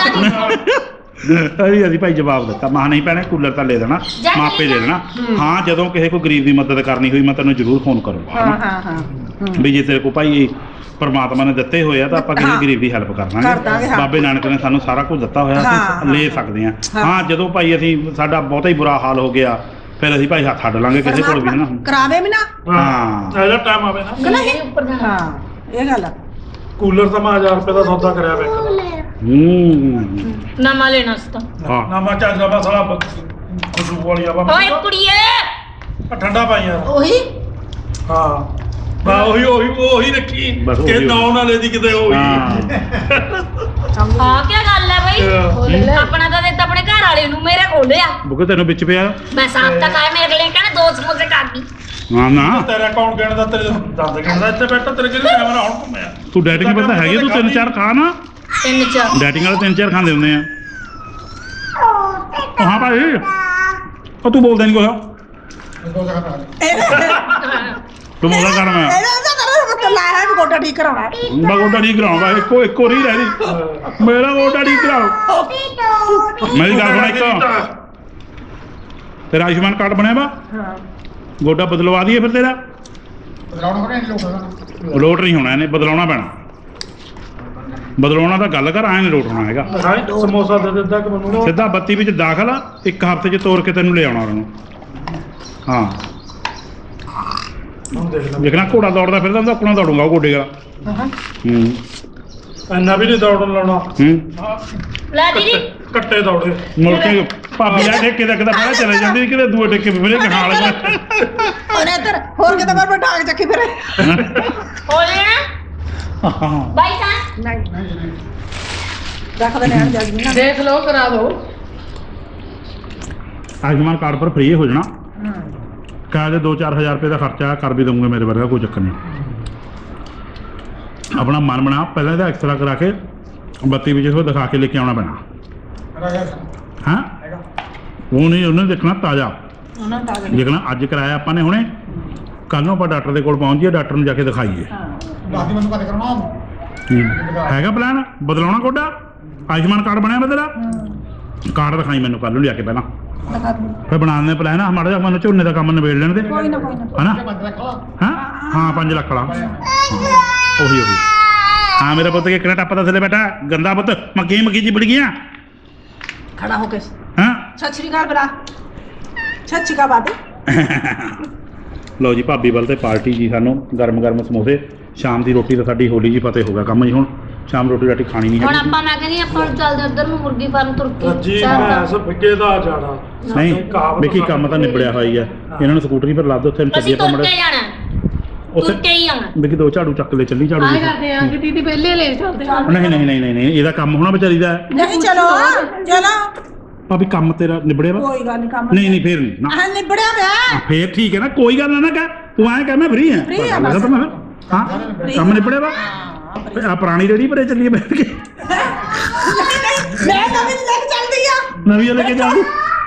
Speaker 1: ਅਸੀਂ ਅਸੀਂ ਭਾਈ ਜਵਾਬ ਦਿੱਤਾ ਮਾਂ ਨਹੀਂ ਪੈਣਾ ਕੂਲਰ ਤਾਂ ਲੈ ਦੇਣਾ ਮਾਪੇ ਦੇ ਦੇਣਾ ਹਾਂ ਜਦੋਂ ਕਿਸੇ ਕੋਈ ਗਰੀਬ ਦੀ ਮਦਦ ਕਰਨੀ ਹੋਈ ਮੈਂ ਤੈਨੂੰ ਜ਼ਰੂਰ ਫੋਨ ਕਰੂੰਗਾ
Speaker 4: ਹਾਂ
Speaker 1: ਹਨਾ।
Speaker 4: ਹਾਂ ਹਾਂ
Speaker 1: ਵੀ ਜੇ ਤੇਰੇ ਕੋ ਭਾਈ ਪਰਮਾਤਮਾ ਨੇ ਦਿੱਤੇ ਹੋਏ ਆ ਤਾਂ ਆਪਾਂ ਕਿਸੇ
Speaker 4: ਹਾਂ।
Speaker 1: ਗਰੀਬ ਦੀ ਹੈਲਪ ਕਰ
Speaker 4: ਕਰ ਦਾਂਗੇ,
Speaker 1: ਦਾਂਗੇ
Speaker 4: ਹਾਂ।
Speaker 1: ਬਾਬੇ ਨਾਨਕ ਨੇ ਸਾਨੂੰ ਸਾਰਾ ਕੁਝ ਦਿੱਤਾ ਹੋਇਆ
Speaker 4: ਹਾਂ,
Speaker 1: ਅਸੀਂ ਲੈ ਸਕਦੇ ਹਾਂ
Speaker 4: ਹਾਂ।
Speaker 1: ਹਾਂ ਜਦੋਂ ਭਾਈ ਅਸੀਂ ਸਾਡਾ ਬਹੁਤਾ ਹੀ ਬੁਰਾ ਹਾਲ ਹੋ ਗਿਆ ਫਿਰ ਅਸੀਂ ਭਾਈ ਹੱਥ ਅੱਡ ਲਾਂਗੇ ਕਿਸੇ ਕੋਲ ਵੀ ਨਾ
Speaker 4: ਕਰਾਵੇ ਵੀ ਨਾ
Speaker 1: ਹਾਂ।
Speaker 3: ਇਹਦਾ ਟਾਈਮ ਆਵੇ ਨਾ
Speaker 5: ਨਹੀਂ ਉੱਪਰ ਜਾਣਾ
Speaker 4: ਹਾਂ ਇਹ ਗੱਲ ਆ
Speaker 3: ਕੂਲਰ ਤਾਂ ਮੈਂ ਹਜ਼ਾਰ ਰੁਪਏ ਦਾ ਸੌਦਾ ਕਰਿਆ ਵੇ
Speaker 1: ਹੂੰ
Speaker 5: ਨਵਾਂ ਲੈਣਾ ਸੀ ਤਾਂ
Speaker 1: ਹਾਂ
Speaker 3: ਨਾ ਮੈਂ ਚੱਜ ਦਾ ਸਾਲਾ ਖੁਸ਼ਬੂ ਵਾਲੀ ਆ
Speaker 5: ਓਏ ਕੁੜੀਏ
Speaker 3: ਠੰਡਾ ਪਾਈ ਯਾਰ
Speaker 4: ਉਹੀ
Speaker 3: ਹਾਂ ਬਾ ਉਹੀ ਉਹੀ ਉਹੀ ਰੱਖੀ
Speaker 1: ਬਸ ਉਹੀ
Speaker 3: ਕਿ
Speaker 1: ਉਹੀ।
Speaker 3: ਨਾਉ ਨਾ ਲੈ ਦੀ ਕਿਤੇ ਉਹੀ
Speaker 1: ਹਾਂ
Speaker 5: ਹਾਂ ਕੀ ਗੱਲ ਹੈ ਬਈ ਆਪਣਾ ਤਾਂ ਦਿੱਤਾ ਆਪਣੇ ਘਰ ਵਾਲੇ ਨੂੰ ਮੇਰੇ ਕੋਲ ਆ
Speaker 1: ਬੁਕੇ ਤੈਨੂੰ ਵਿੱਚ ਪਿਆ
Speaker 5: ਮੈਂ ਸਾਫ ਤੱਕ ਆਇਆ ਮੇਰੇ ਲਈ ਕਹਿੰਦੇ ਦੋ ਸਮੋਸੇ ਕਰ ਦੀ
Speaker 1: ਹਾਂ ਨਾ
Speaker 3: ਤੇਰਾ ਕੌਣ ਗਿਣਦਾ ਤੇਰੇ ਦੰਦ ਗਿਣਦਾ ਇੱਥੇ ਬੈਠਾ ਤੇਰੇ ਕਿਹਨੇ ਕੈਮਰਾ ਹੁਣ ਘੁੰਮਿਆ
Speaker 1: ਤੂੰ ਡੈਟਿੰਗ ਪਤਾ ਹੈਗੀ ਤੂੰ ਤਿੰਨ ਚਾਰ ਖਾ ਨਾ
Speaker 5: ਤਿੰਨ ਚਾਰ
Speaker 1: ਡੈਟਿੰਗ ਵਾਲੇ ਤਿੰਨ ਚਾਰ ਖਾਂਦੇ ਹੁੰਦੇ ਆ ਉਹ ਹਾਂ ਭਾਈ ਉਹ ਤੂੰ ਬੋਲਦਾ ਨਹੀਂ ਕੁਛ ਤੂੰ ਬੋਲਦਾ ਕਰ ਮੈਂ
Speaker 4: ਇਹਦਾ ਤਾਂ ਕਰ ਲਾਇਆ ਵੀ ਗੋਡਾ ਠੀਕ ਕਰਾਉਣਾ
Speaker 1: ਮੈਂ ਗੋਡਾ ਨਹੀਂ ਕਰਾਉਂਗਾ ਇੱਕੋ ਇੱਕੋ ਨਹੀਂ ਰਹਿ ਮੇਰਾ ਗੋਡਾ ਨਹੀਂ ਕਰਾਓ ਮੇਰੀ ਗੱਲ ਸੁਣ ਇੱਕ ਤੇਰਾ ਆਯੁਸ਼ਮਾਨ ਕਾਰਡ ਬਣਿਆ ਵਾ
Speaker 4: ਹਾਂ
Speaker 1: ਗੋਡਾ ਬਦਲਵਾ ਦਈਏ ਫਿਰ ਤੇਰਾ ਲੋਟ ਨਹੀਂ ਹੋਣਾ ਇਹਨੇ ਬਦਲਾਉਣਾ ਪੈਣਾ ਬਦਲਾਉਣਾ ਤਾਂ ਗੱਲ ਕਰ ਐਂ ਨਹੀਂ ਲੋਟ ਹੋਣਾ ਹੈਗਾ
Speaker 3: ਹਾਂ ਸਮੋਸਾ ਦੇ ਦਿੱਤਾ ਕਿ ਮੈਨੂੰ
Speaker 1: ਸਿੱਧਾ ਬੱਤੀ ਵਿੱਚ ਦਾਖਲ ਆ ਇੱਕ ਹਫ਼ਤੇ 'ਚ ਤੋੜ ਕੇ ਤੈਨੂੰ ਲੈ ਆਉਣਾ ਉਹਨੂੰ ਹਾਂ
Speaker 3: ਹੁਣ ਦੇਖ ਲੈ
Speaker 1: ਦੇਖਣਾ ਘੋੜਾ ਦੌੜਦਾ ਫਿਰਦਾ ਹੁੰਦਾ ਆਪਣਾ ਦੌੜੂਗਾ ਉਹ ਗੋਡੇ ਦਾ
Speaker 4: ਹਾਂ
Speaker 1: ਹੂੰ
Speaker 3: ਇੰਨਾ ਵੀ ਨਹੀਂ ਦੌੜਨ ਲਾਉਣਾ
Speaker 1: ਹੂੰ
Speaker 5: ਲੈ ਦੀਦੀ
Speaker 3: ਕੱਟੇ ਦੌੜੇ
Speaker 1: ਮੁੜ ਕੇ ਭਾਬੀ ਆ ਠੇਕੇ ਦਾ ਕਿਦਾ ਪਹਿਲਾਂ ਚਲੇ ਜਾਂਦੀ ਕਿਤੇ ਦੂਏ ਠੇਕੇ ਵੀ ਮੇਰੇ ਗਾਲ ਲੱਗਾ
Speaker 4: ਉਹਨੇ ਇੱਧਰ ਹੋਰ ਕਿਤੇ ਪਰ ਠਾਕ ਚੱਕੀ ਫਿਰ
Speaker 5: ਹੋ ਜਾਣਾ ਬਾਈ ਤਾਂ
Speaker 4: ਨਹੀਂ ਰੱਖ ਦੇ ਲੈਣ ਜੱਜ ਨਾ
Speaker 2: ਦੇਖ ਲਓ ਕਰਾ ਦਿਓ
Speaker 1: ਆਯੁਸ਼ਮਾਨ ਕਾਰਡ ਪਰ ਫ੍ਰੀ ਹੋ ਜਾਣਾ ਕਹਿੰਦੇ ਦੋ ਚਾਰ ਹਜ਼ਾਰ ਰੁਪਏ ਦਾ ਖਰਚਾ ਕਰ ਵੀ ਦਊਂਗੇ ਮੇਰੇ ਵਰਗਾ ਕੋਈ ਚੱਕਰ ਨਹੀਂ ਆਪਣਾ ਮਨ ਬਣਾ ਪਹਿਲਾਂ ਇਹਦਾ ਐਕਸਰਾ ਕਰਾ ਕੇ ਬੱਤੀ ਵਿੱਚ ਉਹ ਦਿਖਾ ਕੇ ਲੈ ਕੇ ਆਉਣਾ ਪੈਣਾ ਹਾਂ ਉਹ ਨਹੀਂ ਉਹਨੇ ਦੇਖਣਾ ਤਾਜ਼ਾ
Speaker 4: ਉਹਨਾਂ ਦਾ
Speaker 1: ਦੇਖਣਾ ਅੱਜ ਕਰਾਇਆ ਆਪਾਂ ਨੇ ਹੁਣੇ ਕੱਲ ਨੂੰ ਆਪਾਂ ਡਾਕਟਰ ਦੇ ਕੋਲ ਪਹੁੰਚ ਜਾਈਏ ਡਾਕਟਰ ਨੂੰ ਜਾ ਕੇ ਦਿਖਾਈਏ
Speaker 6: ਦਾਦੀ ਮੈਨੂੰ ਕਦੇ ਕਰਾਉਣਾ
Speaker 1: ਹੂੰ। ਹੈਗਾ ਪਲਾਨ ਬਦਲਾਉਣਾ ਕੋਡਾ ਆਯੁਸ਼ਮਾਨ ਕਾਰਡ ਬਣਿਆ ਵਾ ਤੇਰਾ ਕਾਰਡ ਦਿਖਾਈ ਮੈਨੂੰ ਕੱਲ ਨੂੰ ਲਿਆ ਕੇ ਪਹਿਲਾਂ
Speaker 4: ਦਿਖਾ ਦੂੰ
Speaker 1: ਫਿਰ ਬਣਾ ਦਿੰਦੇ ਪਲਾਨ ਆ ਮਾੜਾ ਜਿਹਾ ਮੈਨੂੰ ਝੋਨੇ ਦਾ ਕੰਮ ਨਿਬੇੜ ਲੈਣ ਦੇ
Speaker 4: ਕੋਈ ਨਾ ਕੋਈ ਨਾ
Speaker 1: ਹਨਾ
Speaker 6: ਬੰਦ ਰੱਖੋ
Speaker 1: ਹਾਂ ਹਾਂ ਪੰਜ ਲੱਖ ਵਾਲਾ ਉਹੀ ਉਹੀ ਹਾਂ ਮੇਰਾ ਪੁੱਤ ਕਿ ਕਿਹੜਾ ਟੱਪਦਾ ਥੱਲੇ ਬੈਠਾ ਗੰਦਾ ਪੁੱਤ ਮੱਕੀ ਮੱਕੀ ਜੀ ਬੜ ਗਿਆ
Speaker 4: ਖੜਾ ਹੋ ਕੇ
Speaker 1: ਹਾਂ
Speaker 4: ਸਤਿ ਸ਼੍ਰੀ ਅਕਾਲ ਬਲਾ ਸਤਿ ਸ਼੍ਰੀ ਅਕਾਲ ਬਾਬੇ
Speaker 1: ਲਓ ਜੀ ਭਾਬੀ ਵੱਲ ਤੇ ਪਾਰਟੀ ਜੀ ਸਾਨੂੰ ਗਰਮ ਗਰਮ ਸਮੋਸੇ ਸ਼ਾਮ ਦੀ ਰੋਟੀ ਤਾਂ ਸਾਡੀ ਹੋਲੀ ਜੀ ਫਤਿਹ ਹੋ ਗਿਆ ਕੰਮ ਜੀ ਹੁਣ ਸ਼ਾਮ ਰੋਟੀ ਰਾਟੀ ਖਾਣੀ ਨਹੀਂ
Speaker 5: ਹੁਣ
Speaker 1: ਹੈਗੀ
Speaker 5: ਆਪਾਂ ਮੈਂ ਕਹਿੰਦੀ ਆਪਾਂ ਚੱਲਦੇ ਉਧਰ ਨੂੰ ਮੁਰਗੀ ਫਾਰਮ ਤੁਰ ਕੇ
Speaker 3: ਰੱਜੀ
Speaker 5: ਚੱਲਦਾ।
Speaker 3: ਮੈਸ ਫਿੱਕੇ ਦਾ ਜਾਣਾ
Speaker 1: ਨਹੀਂ
Speaker 3: ਕਹਾਵਤ
Speaker 1: ਵੇਖੀ ਕੰਮ ਤਾਂ ਨਿਬੜਿਆ ਹੋਇਆ ਹੀ ਆ ਇਹਨਾਂ ਨੂੰ ਸਕੂਟਰੀ ਪਰ ਲੱਦ ਉੱਥੇ ਚੱਲੀਏ
Speaker 5: ਅਸੀਂ
Speaker 1: ਤਾਂ
Speaker 5: ਤੁਰ
Speaker 1: ਮੜੇ
Speaker 5: ਕੇ ਜਾਣਾ ਤੁਰ
Speaker 1: ਉੱਥੇ
Speaker 5: ਕੇ ਹੀ ਆਉਣਾ
Speaker 1: ਵੇਖੀ ਦੋ ਝਾੜੂ ਚੱਕ ਲੈ ਚੱਲੀ ਝਾੜੂ
Speaker 2: ਆਏ
Speaker 1: ਲੈ ਕੇ।
Speaker 2: ਕਰਦੇ ਆ ਕਿ ਦੀਦੀ ਪਹਿਲੇ ਲੈ ਚੱਲਦੇ ਆ
Speaker 1: ਨਹੀਂ ਨਹੀਂ ਨਹੀਂ ਨਹੀਂ ਨਹੀਂ ਇਹਦਾ ਕੰਮ ਹੋਣਾ ਵਿਚਾਰੀ ਦਾ
Speaker 4: ਨਹੀਂ ਚਲੋ ਚਲੋ
Speaker 1: ਭਾਬੀ ਕੰਮ ਤੇਰਾ ਨਿਬੜਿਆ ਵਾ
Speaker 4: ਕੋਈ ਗੱਲ ਨਹੀਂ ਕੰਮ
Speaker 1: ਨਹੀਂ ਨਹੀਂ ਫੇਰ ਨਹੀਂ ਨਾ
Speaker 4: ਆਹ ਨਿਬੜਿਆ ਪਿਆ
Speaker 1: ਹਾਂ, ਫੇਰ ਠੀਕ ਹੈ ਨਾ ਕੋਈ ਗੱਲ ਨਾ ਨਾ ਕਹਿ ਤੂੰ ਐਂ ਕਹਿ ਮੈਂ ਫ੍ਰੀ ਹਾਂ
Speaker 4: Free ਹਾਂ
Speaker 1: ਪਤਾ ਲੱਗਾ ਤਾਂ ਮੈਂ ਹਾਂ ਕੰਮ ਨਿਬੜਿਆ ਵਾ ਆ ਪੁਰਾਣੀ ਰੇੜੀ ਭਰੇ ਚੱਲੀਏ ਬੈਠ ਕੇ
Speaker 4: ਨਹੀਂ ਨਹੀਂ ਮੈਂ ਕਦੇ ਨਹੀਂ ਲੈ ਕੇ ਚੱਲਦੀ ਆ
Speaker 1: ਨਵੀਂ ਲੈ ਕੇ ਜਾਊਂ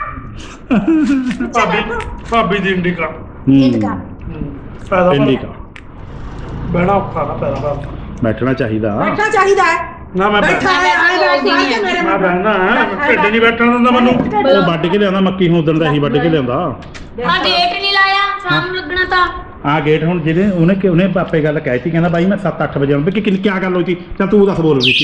Speaker 3: ਭਾਬੀ ਭਾਬੀ ਦੀ ਇੰਡੀਕਾ
Speaker 4: ਇੰਡੀਕਾ
Speaker 3: ਪੈਦਾ
Speaker 1: ਇੰਡੀਕਾ
Speaker 3: ਬਹਿਣਾ ਔਖਾ ਨਾ ਪੈਦਾ ਕਰ
Speaker 1: ਬੈਠਣਾ ਚਾਹੀਦਾ
Speaker 4: ਬੈਠਣਾ ਚਾਹੀਦਾ ਹੈ
Speaker 3: ਨਾ ਮੈਂ
Speaker 4: ਬੈਠਾ
Speaker 3: ਬਹਿ-
Speaker 4: ਹੈ ਆਏ ਬੈਠ ਕੇ ਮੇਰੇ
Speaker 3: ਮੈਂ ਬਹਿਣਾ ਹੈ ਢਿੱਡ ਨਹੀਂ ਬੈਠਣ ਦਿੰਦਾ ਮੈਨੂੰ
Speaker 1: ਉਹ ਵੱਢ ਕੇ ਲਿਆਉਂਦਾ ਮੱਕੀ ਹੁਣ ਉਦੋਂ ਦਾ ਹੀ ਵੱਢ ਕੇ ਲਿਆਉਂਦਾ
Speaker 5: ਆ ਗੇਟ ਨਹੀਂ ਲਾਇਆ ਸ਼ਾਮ ਨੂੰ ਲੱਗਣਾ ਤਾਂ
Speaker 1: ਆ ਗੇਟ ਹੁਣ ਜਿਹਨੇ ਉਹਨੇ ਕਿ ਉਹਨੇ ਪਾਪੇ ਗੱਲ ਕਹਿ ਸੀ ਕਹਿੰਦਾ ਬਾਈ ਮੈਂ ਸੱਤ ਅੱਠ ਵਜੇ ਆਉਂਦਾ ਕਿ ਕੀ ਗੱਲ ਹੋਈ ਸੀ ਚੱਲ ਤੂੰ ਦੱਸ ਬੋਲ ਰਹੀ ਸੀ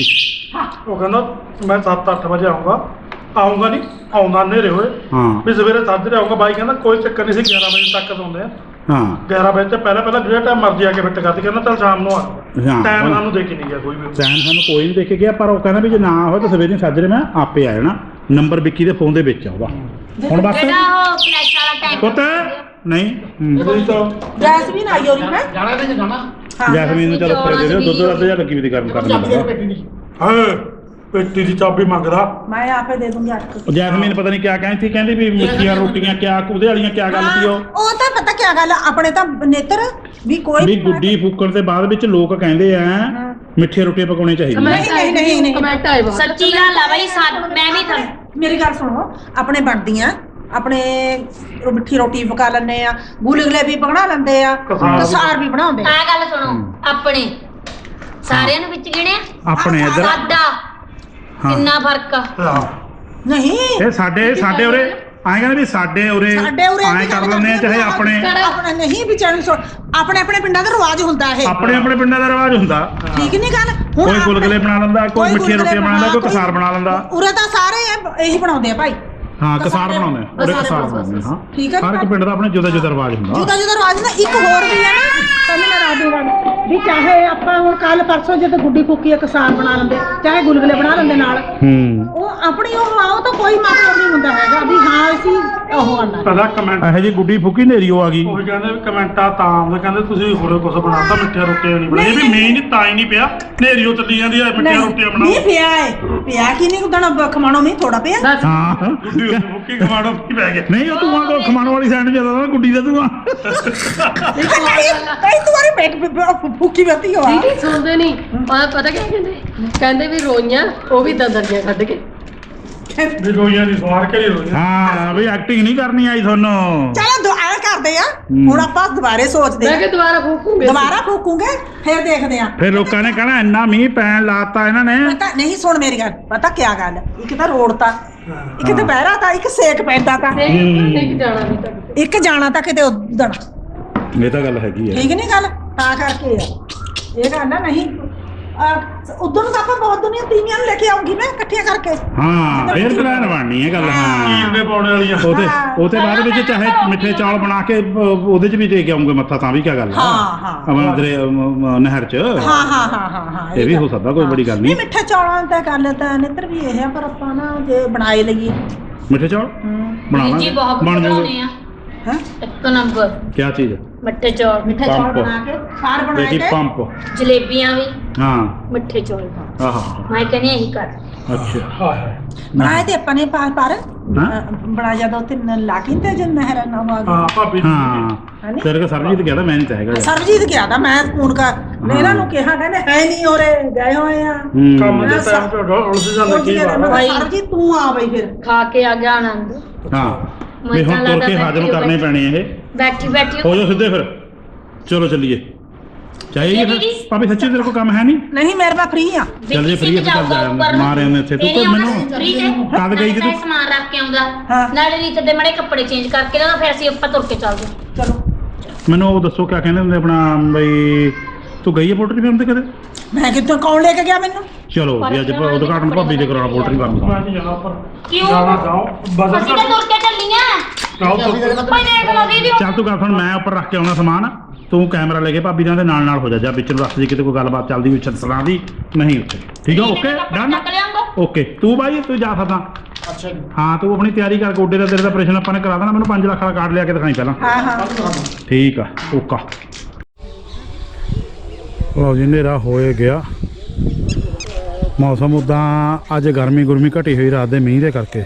Speaker 3: ਉਹ ਕਹਿੰਦਾ ਮੈਂ ਸੱਤ ਅੱਠ ਵਜੇ ਆਉਂਗਾ ਆਉਂਗਾ ਨਹੀਂ ਆਉਂਦਾ ਨੇਰੇ ਹੋਏ
Speaker 1: ਹਾਂ
Speaker 3: ਵੀ ਸਵੇਰੇ ਸਾਜਰੇ ਆਉਂਗਾ ਬਾਈ ਕਹਿੰਦਾ ਕੋਈ ਚੱਕਰ ਨਹੀਂ ਸੀ ਗਿਆਰਾਂ ਵਜੇ ਤੱਕ ਆਉਂਦੇ ਆ
Speaker 1: ਹਾਂ
Speaker 3: ਗਿਆਰਾਂ ਵਜੇ ਤੋਂ ਪਹਿਲਾਂ ਪਹਿਲਾਂ ਜਿਹੜਾ ਟਾਈਮ ਮਰਜ਼ੀ ਆ ਕੇ ਫਿੱਟ ਕਰਦੀ ਕਹਿੰਦਾ ਚੱਲ ਸ਼ਾਮ ਨੂੰ ਆ
Speaker 1: ਹਾਂ।
Speaker 3: ਟਾਈਮ ਸਾਨੂੰ ਦੇ ਕੇ ਨਹੀਂ ਗਿਆ ਕੋਈ ਵੀ
Speaker 1: ਟਾਈਮ ਸਾਨੂੰ ਕੋਈ ਨਹੀਂ ਦੇ ਕੇ ਗਿਆ ਪਰ ਉਹ ਕਹਿੰਦਾ ਵੀ ਜੇ ਨਾ ਹੋਵੇ ਤਾਂ ਸਵੇਰੇ ਸਾਜਰੇ ਮੈਂ ਆਪੇ ਆ ਜਾਣਾ ਨੰਬਰ ਵਿੱਕੀ ਦੇ ਫੋਨ ਦੇ ਵਿੱਚ ਆ ਉਹਦਾ ਹੁਣ ਬਸ
Speaker 5: ਜਿਹੜਾ ਉਹ ਫਲੈਸ਼ ਵਾਲਾ ਟਾਈਮ
Speaker 1: ਪੁੱਤ ਨਹੀਂ ਹੂੰ।
Speaker 3: ਉਹਦੀ ਤਾਂ
Speaker 4: ਜੈਸਮੀਨ ਆਈ ਹੋਰੀ ਹੈ
Speaker 6: ਜਾਣਾ ਤੇ ਜਾਣਾ
Speaker 4: ਹਾਂ
Speaker 1: ਜੈਸਮੀਨ ਨੂੰ ਚਲੋ ਫਿਰ ਦੇ ਦਿਓ ਦੁੱਧ ਦਾ ਅੱਧਾ ਲੱਗੀ ਵੀ ਦੀ ਗਰਮ ਕਰਨ
Speaker 6: ਚਾਬੀ ਦੇ
Speaker 1: ਲੱਗਾ
Speaker 6: ਪੇਟੀ ਨਹੀਂ
Speaker 3: ਹਾਏ ਪੇਟੀ ਦੀ ਚਾਬੀ ਮੰਗਦਾ
Speaker 4: ਮੈਂ ਆਪੇ ਦੇ ਦੂੰਗੀ ਅੱਠ
Speaker 1: ਉਹ ਜੈਸਮੀਨ ਪਤਾ ਨਹੀਂ ਕਿਆ ਕਹਿੰਦੀ ਸੀ ਕਹਿੰਦੀ ਵੀ ਮਿੱਠੀਆਂ ਰੋਟੀਆਂ ਕਿਆ ਉਹਦੇ ਵਾਲੀਆਂ ਕਿਆ ਗੱਲ ਸੀ ਉਹ
Speaker 4: ਉਹ ਤਾਂ ਪਤਾ ਕੀ ਗੱਲ ਆ, ਆਪਣੇ ਤਾਂ ਨੇਤਰ ਵੀ ਕੋਈ
Speaker 1: ਵੀ ਗੁੱਡੀ ਫੂਕਣ ਦੇ ਬਾਅਦ ਵਿੱਚ ਲੋਕ ਕਹਿੰਦੇ ਆ ਮਿੱਠੀਆਂ ਰੋਟੀਆਂ ਪਕਾਉਣੀਆਂ ਚਾਹੀਦੀਆਂ
Speaker 4: ਨਹੀਂ, ਨਹੀਂ, ਨਹੀਂ, ਨਹੀਂ।
Speaker 2: ਕਮੈਂਟ ਆਏ ਬਹੁਤ
Speaker 5: ਸੱਚੀ ਗੱਲ ਆ ਬਾਈ ਸਾ ਮੈਂ ਵੀ ਤਾਂ
Speaker 4: ਮੇਰੀ ਗੱਲ ਸੁਣੋ ਆਪਣੇ ਬਣਦੀਆਂ ਆਪਣੇ ਉਹ ਮਿੱਠੀ ਰੋਟੀ ਪਕਾ ਲੈਂਦੇ ਆ ਗੁਲਗੁਲੇ ਵੀ ਬਣਾ ਲੈਂਦੇ ਆ
Speaker 3: ਕਸਾਰ ਵੀ।
Speaker 4: ਕਸਾਰ ਵੀ ਬਣਾਉਂਦੇ ਆ
Speaker 5: ਆ ਗੱਲ ਸੁਣੋ ਆਪਣੇ ਸਾਰਿਆਂ ਨੂੰ ਵਿੱਚ ਗਿਣਿਆ
Speaker 1: ਆਪਣੇ ਇੱਧਰ
Speaker 5: ਸਾਡਾ
Speaker 1: ਹਾਂ।
Speaker 5: ਕਿੰਨਾ ਫਰਕ ਆ
Speaker 3: ਹਾਂ
Speaker 4: ਨਹੀਂ
Speaker 1: ਇਹ ਸਾਡੇ ਸਾਡੇ ਉਰੇ ਐਂ ਕਹਿੰਦੇ ਵੀ ਸਾਡੇ ਉਰੇ
Speaker 4: ਸਾਡੇ ਉਰੇ
Speaker 1: ਐਂ ਕਰ ਲੈਂਦੇ ਆ ਚਾਹੇ ਆਪਣੇ
Speaker 4: ਆਪਣਾ ਨਹੀਂ ਵੀ ਚੈਨਲ ਸੁਣ ਆਪਣੇ ਆਪਣੇ ਪਿੰਡਾਂ ਦਾ ਰਿਵਾਜ ਹੁੰਦਾ ਇਹ
Speaker 1: ਆਪਣੇ ਆਪਣੇ ਪਿੰਡਾਂ ਦਾ ਰਿਵਾਜ ਹੁੰਦਾ
Speaker 4: ਠੀਕ ਨਹੀਂ ਗੱਲ
Speaker 1: ਕੋਈ
Speaker 4: ਆਪਣੇ-
Speaker 1: ਗੁਲਗੁਲੇ ਬਣਾ ਲੈਂਦਾ ਕੋਈ ਮਿੱਠੀਆਂ
Speaker 4: ਗੁਲਗੁਲੇ
Speaker 1: ਰੋਟੀਆਂ ਬਣਾ ਲੈਂਦਾ ਕੋਈ
Speaker 4: ਕੋਈ-
Speaker 1: ਕਸਾਰ ਬਣਾ ਲੈਂਦਾ
Speaker 4: ਉਰੇ ਤਾਂ ਸਾਰੇ ਇਹ- ਇਹੀ ਬਣਾਉਂਦੇ ਆ ਭਾਈ
Speaker 1: ਹਾਂ ਕਸਾਰ ਬਣਾਉਂਦੇ ਆ ਉਰੇ
Speaker 4: ਕਸਾਰ
Speaker 1: ਕਸਾਰ
Speaker 4: ਬਣਾਉਂਦੇ
Speaker 1: ਬਣਾਉਂਦੇ ਆ, ਹਾਂ
Speaker 4: ਠੀਕ ਹੈ
Speaker 1: ਹਰ ਇੱਕ ਪਿੰਡ ਦਾ ਆਪਣਾ ਜੁਦਾ ਜੁਦਾ ਰਿਵਾਜ ਹੁੰਦਾ
Speaker 4: ਜੁਦਾ ਜੁਦਾ ਰਿਵਾਜ ਨਾ ਇੱਕ ਹੋਰ ਵੀ ਹੈ ਨਾ ਤੁਹਾਨੂੰ ਮੈਂ ਦੱਸ ਦੂੰਗਾ ਵੀ ਚਾਹੇ ਆਪਾਂ ਹੁਣ ਕੱਲ ਪਰਸੋਂ ਜਦੋਂ ਗੁੱਡੀ ਫੂਕੀ ਆ ਕਸਾਰ ਬਣਾ ਲੈਂਦੇ ਚਾਹੇ ਗੁਲਗੁਲੇ ਬਣਾ ਲੈਂਦੇ ਨਾਲ
Speaker 1: ਹੂੰ
Speaker 4: ਉਹ ਆਪਣੀ ਉਹ ਆਓ ਤਾਂ ਕੋਈ ਮਤਲਬ ਨਹੀਂ ਹੁੰਦਾ ਹੈਗਾ ਵੀ ਹਾਂ ਅਸੀਂ ਉਹ ਕਰਨਾ
Speaker 3: ਪਹਿਲਾਂ ਕਮੈਂਟ
Speaker 1: ਇਹੋ ਜੀ ਗੁੱਡੀ ਫੁੱਕੀ ਨੇਰੀ ਉਹ ਆ ਗਈ
Speaker 3: ਉਹ ਵੀ ਕਹਿੰਦੇ ਵੀ ਕਮੈਂਟਾਂ ਤਾਂ ਆਉਂਦੇ ਕਹਿੰਦੇ ਤੁਸੀਂ ਹੋਰੇ ਕੁਝ ਬਣਾਤਾ ਮਿੱਠੀਆਂ ਰੋਟੀਆਂ ਨਹੀਂ ਬਣਾਈਆਂ ਵੀ ਮੀਂਹ ਨਹੀਂ ਤਾਂ ਹੀ ਨਹੀਂ ਪਿਆ ਨੇਰੀਓ ਚੱਲੀ ਜਾਂਦੀ ਆ ਮਿੱਠੀਆਂ ਰੋਟੀਆਂ
Speaker 4: ਨਹੀਂ
Speaker 3: ਬਣਾਓ
Speaker 4: ਪਿਆ ਹੈ ਪਿਆ ਕੀ ਨਹੀਂ ਉਦਣ ਖਮਾਣੋ ਨਹੀਂ ਥੋੜਾ ਪਿਆ
Speaker 2: ਦੱਸ
Speaker 1: ਹਾਂ
Speaker 3: ਗੁੱਡੀ ਉੱਤੇ ਮੁੱਕੀ ਖਵਾੜੋ ਕੀ ਪੈ ਗਿਆ
Speaker 1: ਨਹੀਂ ਉਹ ਤੂੰ ਕੋ ਖਮਾਣ ਵਾਲੀ ਸਾਈਡ ਜਿਆਦਾ ਨਾ ਗੁੱਡੀ ਦਾ ਤੂੰ
Speaker 4: ਕਈ ਤੁਹਾਰੇ ਪੇਟ ਫੂਕੀ ਬਤੀ ਹੋ
Speaker 2: ਦੀਦੀ ਸੁਣਦੇ ਨਹੀਂ ਆ ਪਤਾ ਕੀ ਕਹਿੰਦੇ ਕਹਿੰਦੇ ਵੀ ਰੋਈਆਂ ਉਹ ਵੀ ਦੰਦਰੀਆਂ ਕੱਢ ਕੇ
Speaker 3: ਵੀ ਰੋਈਆਂ ਦੀ ਸਵਾਰ ਕੇ ਨਹੀਂ ਰੋਈਆਂ
Speaker 1: ਹਾਂ ਵੀ ਐਕਟਿੰਗ ਨਹੀਂ ਕਰਨੀ ਆਈ ਤੁਹਾਨੂੰ
Speaker 4: ਚਲੋ ਦੁਆ ਕਰਦੇ ਆ ਹੁਣ ਆਪਾਂ ਦੁਬਾਰੇ ਸੋਚਦੇ
Speaker 2: ਮੈਂ
Speaker 4: ਆ
Speaker 2: ਕਿ ਦੁਬਾਰਾ ਫੂਕੂਗੇ
Speaker 4: ਦੁਬਾਰਾ ਫੂਕੂਗੇ ਫਿਰ ਦੇਖਦੇ ਆ
Speaker 1: ਫਿਰ ਲੋਕਾਂ ਨੇ ਕਹਿਣਾ ਇੰਨਾ ਮੀਂਹ ਪੈਣ ਲਾਤਾ ਇਹਨਾਂ ਨੇ
Speaker 4: ਪਤਾ ਨਹੀਂ ਸੁਣ ਮੇਰੀ ਗੱਲ ਪਤਾ ਕੀ ਗੱਲ ਇੱਕ ਤਾਂ ਰੋਡ ਤਾਂ ਇੱਕ ਦੁਪਹਿਰਾ ਤਾਂ ਇੱਕ ਸੇਕ ਪੈਂਦਾ ਤਾਂ
Speaker 2: ਇੱਕ ਜਾਣਾ ਵੀ ਤੱਕ
Speaker 4: ਇੱਕ ਜਾਣਾ ਤਾਂ ਕਿਤੇ ਉਦਣ
Speaker 1: ਇਹ ਤਾਂ ਗੱਲ ਹੈਗੀ ਆ
Speaker 4: ਠੀਕ ਨਹੀਂ ਗੱਲ ਤਾਂ ਕਰਕੇ ਆ ਇਹ ਗੱਲ ਨਾ ਨਹੀਂ ਉਦੋਂ ਨੂੰ ਤਾਂ ਆਪਾਂ ਬਹੁਤ ਦੁਨੀਆ ਤੀਵੀਆਂ ਨੂੰ ਲੈ ਕੇ ਆਉਂਗੀ ਮੈਂ ਇਕੱਠੀਆਂ ਕਰਕੇ
Speaker 1: ਹਾਂ ਫੇਰ ਪਲਾਨ ਬਣਨੀ ਹੈ ਗੱਲ ਹਾਂ
Speaker 3: ਕੀਰ ਦੇ ਪਾਉਣੇ ਵਾਲੀਆਂ
Speaker 1: ਉਹਦੇ
Speaker 4: ਹਾਂ।
Speaker 1: ਉਹਦੇ ਬਾਅਦ ਵਿੱਚ ਚਾਹੇ ਮਿੱਠੇ ਚੌਲ ਬਣਾ ਕੇ ਅਹ, ਉਹਦੇ 'ਚ ਵੀ ਦੇ ਕੇ ਆਉਂਗੇ ਮੱਥਾ ਤਾਂ ਵੀ ਕੀ ਗੱਲ ਆ
Speaker 4: ਹਾਂ, ਹਾਂ।
Speaker 1: ਆਪਣਾ ਅੰਦਰੇ ਨਹਿਰ 'ਚ
Speaker 4: ਹਾਂ ਹਾਂ ਹਾਂ ਹਾਂ ਹਾਂ
Speaker 1: ਇਹ ਵੀ ਹੋ ਸਕਦਾ ਕੋਈ ਬੜੀ ਗੱਲ
Speaker 4: ਨਹੀਂ
Speaker 1: ਨਹੀਂ
Speaker 4: ਮਿੱਠੇ ਚੌਲਾਂ ਦਾ ਗੱਲ ਤਾਂ ਨਿੱਤਰ ਵੀ ਇਹ ਆ ਪਰ ਆਪਾਂ ਨਾ ਜੇ ਬਣਾਏ ਲਈਏ
Speaker 1: ਮਿੱਠੇ ਚੌਲ ਬਣਾ
Speaker 5: ਜੀ
Speaker 1: ਲਾਂਗੇ
Speaker 5: ਬਹੁਤ
Speaker 1: ਬਣ
Speaker 5: ਬਣਾਉਣੇ
Speaker 1: ਜਾਊਗੇ
Speaker 5: ਆ
Speaker 4: ਹੈ
Speaker 5: ਇੱਕ ਨੰਬਰ
Speaker 1: ਕੀ ਚੀਜ਼
Speaker 5: ਮਿੱਠੇ ਚੌਲ
Speaker 4: ਮਿੱਠੇ ਚੌਲ
Speaker 1: ਪੰਪ।
Speaker 4: ਬਣਾ ਕੇ ਸਾਰ ਬਣਾਏ
Speaker 1: ਦੇਖੀ
Speaker 4: ਤੇ
Speaker 1: ਪੰਪ
Speaker 5: ਜਲੇਬੀਆਂ ਵੀ
Speaker 1: ਹਾਂ
Speaker 5: ਮਿੱਠੇ ਚੌਲ
Speaker 1: ਆਹਾ
Speaker 5: ਮੈਂ ਕਹਿੰਦੀ ਇਹੀ ਕਰ
Speaker 1: ਅੱਛਾ
Speaker 3: ਹਾਏ ਹਾਏ
Speaker 4: ਬਣਾਏ ਤੇ ਆਪਾਂ ਨੇ ਪਰ ਪਰ
Speaker 1: ਹਾਂ?
Speaker 4: ਬਣਾ ਜਦੋਂ ਤੇ ਲਾ ਕੇ ਤੇ ਜਨ ਨਹਿਰ ਨਾ ਆ
Speaker 3: ਹਾਂ ਭਾਬੀ ਜੀ।
Speaker 1: ਹਾਂ ਤੇਰੇ ਕੋ ਸਰਬਜੀਤ ਗਿਆ ਤਾਂ ਮੈਂ ਨਹੀਂ ਚਾਹੇਗਾ
Speaker 4: ਸਰਬਜੀਤ ਗਿਆ ਤਾਂ ਮੈਂ ਫੋਨ ਕਰ ਮੈਂ ਇਹਨਾਂ ਨੂੰ ਕਿਹਾ ਕਹਿੰਦੇ ਹੈ ਨਹੀਂ ਹੋਰੇ ਗਏ ਹੋਏ ਆ
Speaker 3: ਕੰਮ
Speaker 1: ਹੂੰ
Speaker 3: ਦੇ ਟਾਈਮ ਤੇ ਉਲਝ ਜਾਂਦਾ ਕੀ ਬਾਤ
Speaker 5: ਭਾਈ।
Speaker 4: ਸਰਬਜੀਤ ਤੂੰ ਆ ਬਈ ਫਿਰ
Speaker 5: ਖਾ ਕੇ ਆ ਗਿਆ ਆਨੰਦ
Speaker 1: ਹਾਂ ਵੀ ਹੁਣ ਤੁਰ ਕੇ ਹਾਜ਼ਮ ਕਰਨੇ ਪੈਣੇ ਇਹ
Speaker 5: ਬੈਠੀ ਬੈਠੀ
Speaker 1: ਹੋ ਜਾ ਸਿੱਧੇ ਫਿਰ ਚਲੋ ਚੱਲੀਏ ਚਾਹੀਏ ਫਿਰ
Speaker 5: ਦੀਦੀ।
Speaker 1: ਭਾਵੇਂ ਸੱਚੀ ਤੇਰੇ ਕੋਲ ਕੰਮ ਹੈ ਨਹੀਂ
Speaker 4: ਨਹੀਂ ਮੇਰੇ ਪਾ ਫ੍ਰੀ ਆ
Speaker 1: ਚੱਲ ਜੇ free ਆ ਫਿਰ ਚੱਲ ਜਾ, ਮਾਰ ਆਉਂਦੇ ਇੱਥੇ। ਤੂੰ ਤਾਂ ਮੈਨੂੰ- ਕਦ ਗਈ ਸੀ ਤੂੰ?
Speaker 5: ਸਮਾਨ ਰੱਖ ਕੇ ਆਉਂਦਾ
Speaker 4: ਹਾਂ।
Speaker 5: ਨਾਲੇ ਰੀਤ ਦੇ ਮੜੇ ਕੱਪੜੇ ਚੇਂਜ ਕਰਕੇ ਨਾ ਫਿਰ ਅਸੀਂ ਆਪਾਂ ਤੁਰ ਕੇ ਚੱਲਦੇ
Speaker 4: ਚਲੋ
Speaker 1: ਮੈਨੂੰ ਉਹ ਦੱਸੋ ਕਿਆ ਕਹਿੰਦੇ ਹੁੰਦੇ ਆਪਣਾ ਬਈ ਤੂੰ ਗਈ ਹੈ ਪੋਲਟਰੀ ਫਾਰਮ ਤੇ ਕਦੇ
Speaker 4: ਮੈਂ ਕਿੱਥੋਂ ਕੌਣ ਲੈ ਕੇ ਗਿਆ ਮੈਨੂੰ
Speaker 1: ਚਲੋ ਜੀ ਅੱਜ ਉਦਘਾਟਨ ਭਾਬੀ ਦੇ ਕਰਾਉਣਾ ਪੋਲਟਰੀ ਫਾਰਮ ਦਾ
Speaker 3: ਮੈਂ ਨਹੀਂ ਜਾਣਾ ਪਰ
Speaker 5: ਕਿਉਂ?
Speaker 3: ਜਾਣਾ ਜਾਓ ਬਦਲ
Speaker 5: ਅਸੀਂ ਤਾਂ ਤੁਰ ਕੇ ਚੱਲੀਆਂ
Speaker 3: ਜਾਓ ਤੁਰ
Speaker 5: ਭਾਈ ਦੇਖ ਲਓ ਦੀਦੀ
Speaker 1: ਚੱਲ ਤੂੰ ਗੱਲ ਹੁਣ ਮੈਂ ਉੱਪਰ ਰੱਖ ਕੇ ਆਉਣਾ ਸਮਾਨ ਤੂੰ ਕੈਮਰਾ ਲੈ ਕੇ ਭਾਬੀ ਦੇ ਨਾਲ ਨਾਲ ਹੋ ਜਾ ਜਾਂ ਵਿੱਚ ਨੂੰ ਰੱਖ ਜੀ ਕਿਤੇ ਕੋਈ ਗੱਲਬਾਤ ਚੱਲਦੀ ਹੋਈ ਛੱਡਣਾ ਦੀ ਨਹੀਂ ਉੱਥੇ ਠੀਕ ਆ ਓਕੇ ਡਨ
Speaker 5: ਚੱਕ ਲਿਆਂਗਾ
Speaker 1: ਓਕੇ ਤੂੰ ਬਾਈ ਤੂੰ ਜਾ ਸਕਦਾ
Speaker 6: ਅੱਛਾ ਜੀ
Speaker 1: ਹਾਂ ਤੂੰ ਆਪਣੀ ਤਿਆਰੀ ਕਰ ਗੋਡੇ ਦਾ ਤੇਰੇ ਦਾ ਆਪਰੇਸ਼ਨ ਆਪਾਂ ਨੇ ਕਰਾ ਦੇਣਾ ਮੈਨੂੰ ਪੰਜ ਲੱਖ ਦਾ ਕਾਰਡ ਲਿਆ ਕੇ ਦਿਖਾਈ ਪਹਿਲਾਂ
Speaker 4: ਹਾਂ ਹਾਂ
Speaker 1: ਠੀਕ ਆ ਓਕਾ ਲਓ ਜੀ ਹਨੇਰਾ ਹੋਏ ਗਿਆ ਮੌਸਮ ਉਦਾਂ ਅੱਜ ਗਰਮੀ ਗੁਰਮੀ ਘਟੀ ਹੋਈ ਰਾਤ ਦੇ ਮੀਂਹ ਦੇ ਕਰਕੇ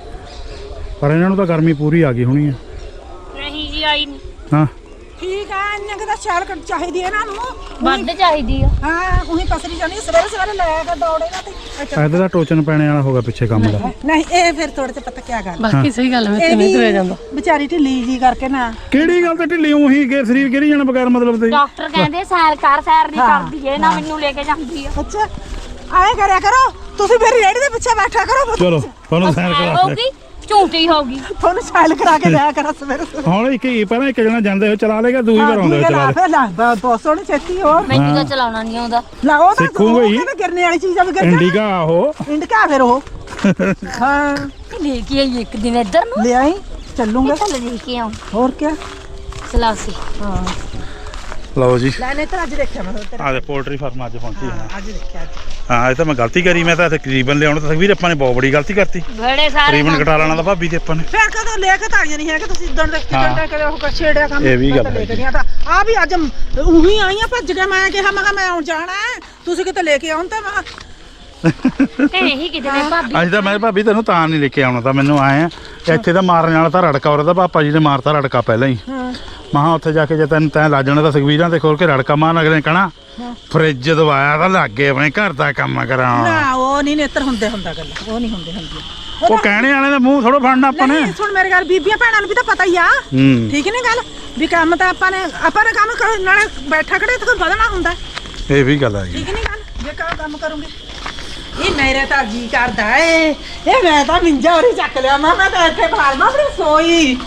Speaker 1: ਪਰ ਇਹਨਾਂ ਨੂੰ ਤਾਂ ਗਰਮੀ ਪੂਰੀ ਆ ਗਈ ਹੋਣੀ ਆ
Speaker 5: ਨਹੀਂ ਜੀ ਆਈ ਨਹੀਂ
Speaker 1: ਹਾਂ
Speaker 4: ਠੀਕ ਆ ਇੰਨੇ ਕੁ ਤਾਂ ਸ਼ਾਲ ਕੱਟ ਚਾਹੀਦੀ ਹੈ ਇਹਨਾਂ ਨੂੰ
Speaker 5: ਵੱਧ ਚਾਹੀਦੀ ਆ
Speaker 4: ਹਾਂ ਉਹੀ ਪਸਰੀ ਜਾਣੀ ਸਵੇਰੇ ਸਵੇਰੇ ਲੈ ਕੇ ਦੌੜੇ ਨਾ ਤੇ ਅੱਛਾ।
Speaker 1: ਇਹਦੇ ਦਾ ਟੋਚਨ ਪੈਣੇ ਵਾਲਾ ਹੋਗਾ ਪਿੱਛੇ ਕੰਮ ਦਾ
Speaker 4: ਨਹੀਂ ਇਹ ਫਿਰ ਥੋੜੇ ਤੇ ਪਤਾ ਕੀ ਗੱਲ
Speaker 2: ਬਾਕੀ ਸਹੀ ਗੱਲ ਮੈਂ
Speaker 4: ਇਹ
Speaker 2: ਤੇ
Speaker 4: ਵੀ
Speaker 2: ਨਹੀਂ ਤੁਰਿਆ ਜਾਂਦਾ
Speaker 4: ਵਿਚਾਰੀ ਢਿੱਲੀ ਜੀ ਕਰਕੇ ਨਾ
Speaker 1: ਕਿਹੜੀ ਗੱਲ ਤੇ ਢਿੱਲੀ ਉਹੀ ਗੇ ਸਰੀਰ ਗਿਰੀ ਜਾਣਾ ਬਗੈਰ ਮਤਲਬ ਤੇ
Speaker 5: ਡਾਕਟਰ ਕਹਿੰਦੇ ਸੈਰ ਕਰ ਸੈਰ ਨਹੀਂ
Speaker 4: ਹਾਂ,
Speaker 5: ਕਰਦੀ ਏ ਨਾ ਮੈਨੂੰ ਲੈ ਕੇ ਜਾਂਦੀ ਆ
Speaker 4: ਅੱਛਾ ਆਏ ਕਰਿਆ ਕਰੋ ਤੁਸੀਂ ਮੇਰੀ ਰੇੜੀ ਦੇ ਪਿੱਛੇ ਬੈਠਾ ਕਰੋ
Speaker 1: ਚਲੋ ਤੁਹਾਨੂੰ ਸੈਰ ਕਰਾ
Speaker 5: ਹੋਗੀ ਝੂਠੀ ਹੋਗੀ
Speaker 4: ਤੁਹਾਨੂੰ ਸਾਇਲ ਕਰਾ ਕੇ ਲਿਆ ਕਰਾਂ ਸਵੇਰੇ ਸਵੇਰੇ
Speaker 1: ਹੁਣ ਇੱਕ ਹੀ ਪਹਿਲਾਂ ਇੱਕ ਜਣਾ ਜਾਂਦੇ ਹੋ ਚਲਾ ਲੇਗਾ ਦੂਈ ਵਾਰ ਆਉਂਦੇ ਹੋ ਚਲਾ ਲੇ
Speaker 4: ਫਿਰ ਲਾ ਬਹੁਤ ਸੋਹਣੀ ਛੇਤੀ ਹੋ
Speaker 5: ਮੈਨੂੰ ਤਾਂ ਚਲਾਉਣਾ ਨਹੀਂ ਆਉਂਦਾ
Speaker 4: ਲਾ ਉਹ ਤਾਂ
Speaker 1: ਸਿੱਖੂਗਾ ਹੀ।
Speaker 4: ਉਹ ਕਹਿੰਦੇ ਗਿਰਨੇ ਵਾਲੀ ਚੀਜ਼ ਆ ਵੀ ਗਿਰ
Speaker 1: ਇੰਡੀਗਾ ਉਹ
Speaker 4: ਇੰਡਕਾ ਫਿਰ ਉਹ ਹਾਂ
Speaker 5: ਲੈ ਕੇ ਆਈ ਇੱਕ ਦਿਨ ਇੱਧਰ ਨੂੰ
Speaker 4: ਲੈ ਆਈ ਚੱਲੂਗਾ
Speaker 5: ਚੱਲ ਲੈ ਕੇ ਆਉਂ
Speaker 4: ਹੋਰ ਕੀ
Speaker 5: ਸਲਾਸੀ
Speaker 4: ਹਾਂ
Speaker 1: ਲਓ ਜੀ
Speaker 4: ਲੈ ਨਹੀਂ ਤਾਂ ਅੱਜ ਦੇਖਿਆ ਮੈਂ ਤੇਰਾ
Speaker 1: ਆ ਦੇ ਪੋਲਟਰੀ ਫਾਰਮ ਅੱਜ ਪਹੁੰਚੀ ਹਾਂ
Speaker 4: ਅੱਜ ਦੇਖਿਆ ਅੱਜ
Speaker 1: ਹਾਂ ਇਹ ਤਾਂ ਮੈਂ ਗਲਤੀ ਕਰੀ ਮੈਂ ਤਾਂ ਤਕਰੀਬਨ ਲਿਆਉਣ ਤਾਂ ਤਕਰੀਬਨ ਆਪਾਂ ਨੇ ਬਹੁਤ ਬੜੀ ਗਲਤੀ ਕਰਤੀ
Speaker 5: ਬੜੇ ਸਾਰੇ
Speaker 1: ਤਕਰੀਬਨ ਘਟਾ ਲੈਣਾ ਤਾਂ ਭਾਬੀ ਤੇ ਆਪਾਂ ਨੇ
Speaker 4: ਫਿਰ ਕਦੋਂ ਲੈ ਕੇ ਤਾਂ ਆਈਆਂ ਨਹੀਂ ਹੈ ਕਿ ਤੁਸੀਂ ਇਦਾਂ ਦੇ
Speaker 1: ਹਾਂ।
Speaker 4: ਕਿਦਾਂ ਕਦੇ ਉਹ ਛੇੜਿਆ ਕੰਮ
Speaker 1: ਇਹ ਵੀ ਗੱਲ
Speaker 4: ਮੈਂ ਤਾਂ ਲੈ
Speaker 1: ਹੈ।
Speaker 4: ਕੇ ਗਿਆ ਤਾਂ ਆ ਵੀ ਅੱਜ ਉਹੀ ਆਈਆਂ ਭੱਜ ਕੇ ਮੈਂ ਕਿਹਾ ਮੈਂ ਕਿਹਾ ਮੈਂ ਆਉਣ ਜਾਣਾ ਹੈ, ਤੁਸੀਂ ਕਿਤੇ ਲੈ ਕੇ ਆਉਣ ਤਾਂ ਮੈਂ
Speaker 5: ਇਹੀ ਕਿਤੇ ਨੇ ਭਾਬੀ
Speaker 1: ਅੱਜ ਤਾਂ ਮੈਂ ਭਾਬੀ ਤੈਨੂੰ ਤਾਂ ਨਹੀਂ ਲੈ ਕੇ ਆਉਣਾ ਤਾਂ ਮੈਨੂੰ ਆਏ ਆ ਇੱਥੇ ਤਾਂ ਮਾਰਨ ਵਾਲਾ ਤਾਂ ਰੜਕਾ ਉਹਦਾ ਪਾਪਾ ਜੀ ਨੇ ਮਾਰਤਾ ਰੜਕਾ ਪਹਿਲਾਂ ਹੀ
Speaker 4: ਹਾਂ
Speaker 1: ਮਹਾ ਉੱਥੇ ਜਾ ਕੇ ਜੇ ਤੈਨੂੰ ਤੈਂ ਲਾ ਜਾਣਾ ਤਾਂ ਸੁਖਵੀਰਾਂ ਤੇ ਖੋਲ ਕੇ ਰੜਕਾ ਮਾਰਨ ਅਗਲੇ ਨੇ ਕਹਣਾ ਫਰਿੱਜ ਦਵਾਇਆ ਤਾਂ ਲੱਗੇ ਆਪਣੇ ਘਰ ਦਾ ਕੰਮ ਕਰਾਉਣ
Speaker 4: ਨਾ ਉਹ ਨਹੀਂ ਨੇਤਰ ਹੁੰਦੇ ਹੁੰਦਾ ਗੱਲ ਉਹ ਨਹੀਂ ਹੁੰਦੇ ਹੁੰਦੀ
Speaker 1: ਉਹ ਕਹਿਣੇ ਵਾਲੇ ਦਾ ਮੂੰਹ ਥੋੜੋ ਫੜਨਾ ਆਪਾਂ ਨੇ
Speaker 4: ਨਹੀਂ ਸੁਣ ਮੇਰੀ ਗੱਲ ਬੀਬੀਆਂ ਭੈਣਾਂ ਨੂੰ ਵੀ ਤਾਂ ਪਤਾ ਹੀ ਆ
Speaker 1: ਹੂੰ
Speaker 4: ਠੀਕ ਨਹੀਂ ਗੱਲ ਵੀ ਕੰਮ ਤਾਂ ਆਪਾਂ ਨੇ ਆਪਾਂ ਨੇ ਕੰਮ ਕਰ ਨਾਲੇ ਬੈਠਾ ਖੜੇ ਤੇ ਕੋਈ ਵਧਣਾ ਹੁੰਦਾ
Speaker 1: ਇਹ ਵੀ ਗੱਲ ਹੈ
Speaker 4: ਠੀਕ ਨਹੀਂ ਗੱਲ ਜੇ ਕੰਮ ਕੰਮ ਕਰੂੰਗੇ ਇਹ ਮੇਰੇ ਤਾਂ ਜੀ ਕਰਦਾ ਏ ਇਹ ਮੈਂ ਤਾਂ ਮਿੰਜਾ ਹੋਰੀ ਚੱਕ ਲਿਆ ਮੈਂ ਮੈਂ ਤਾਂ ਇੱਥੇ ਬਾਹਰ ਮੈਂ ਆਪਣੀ ਸੋਈ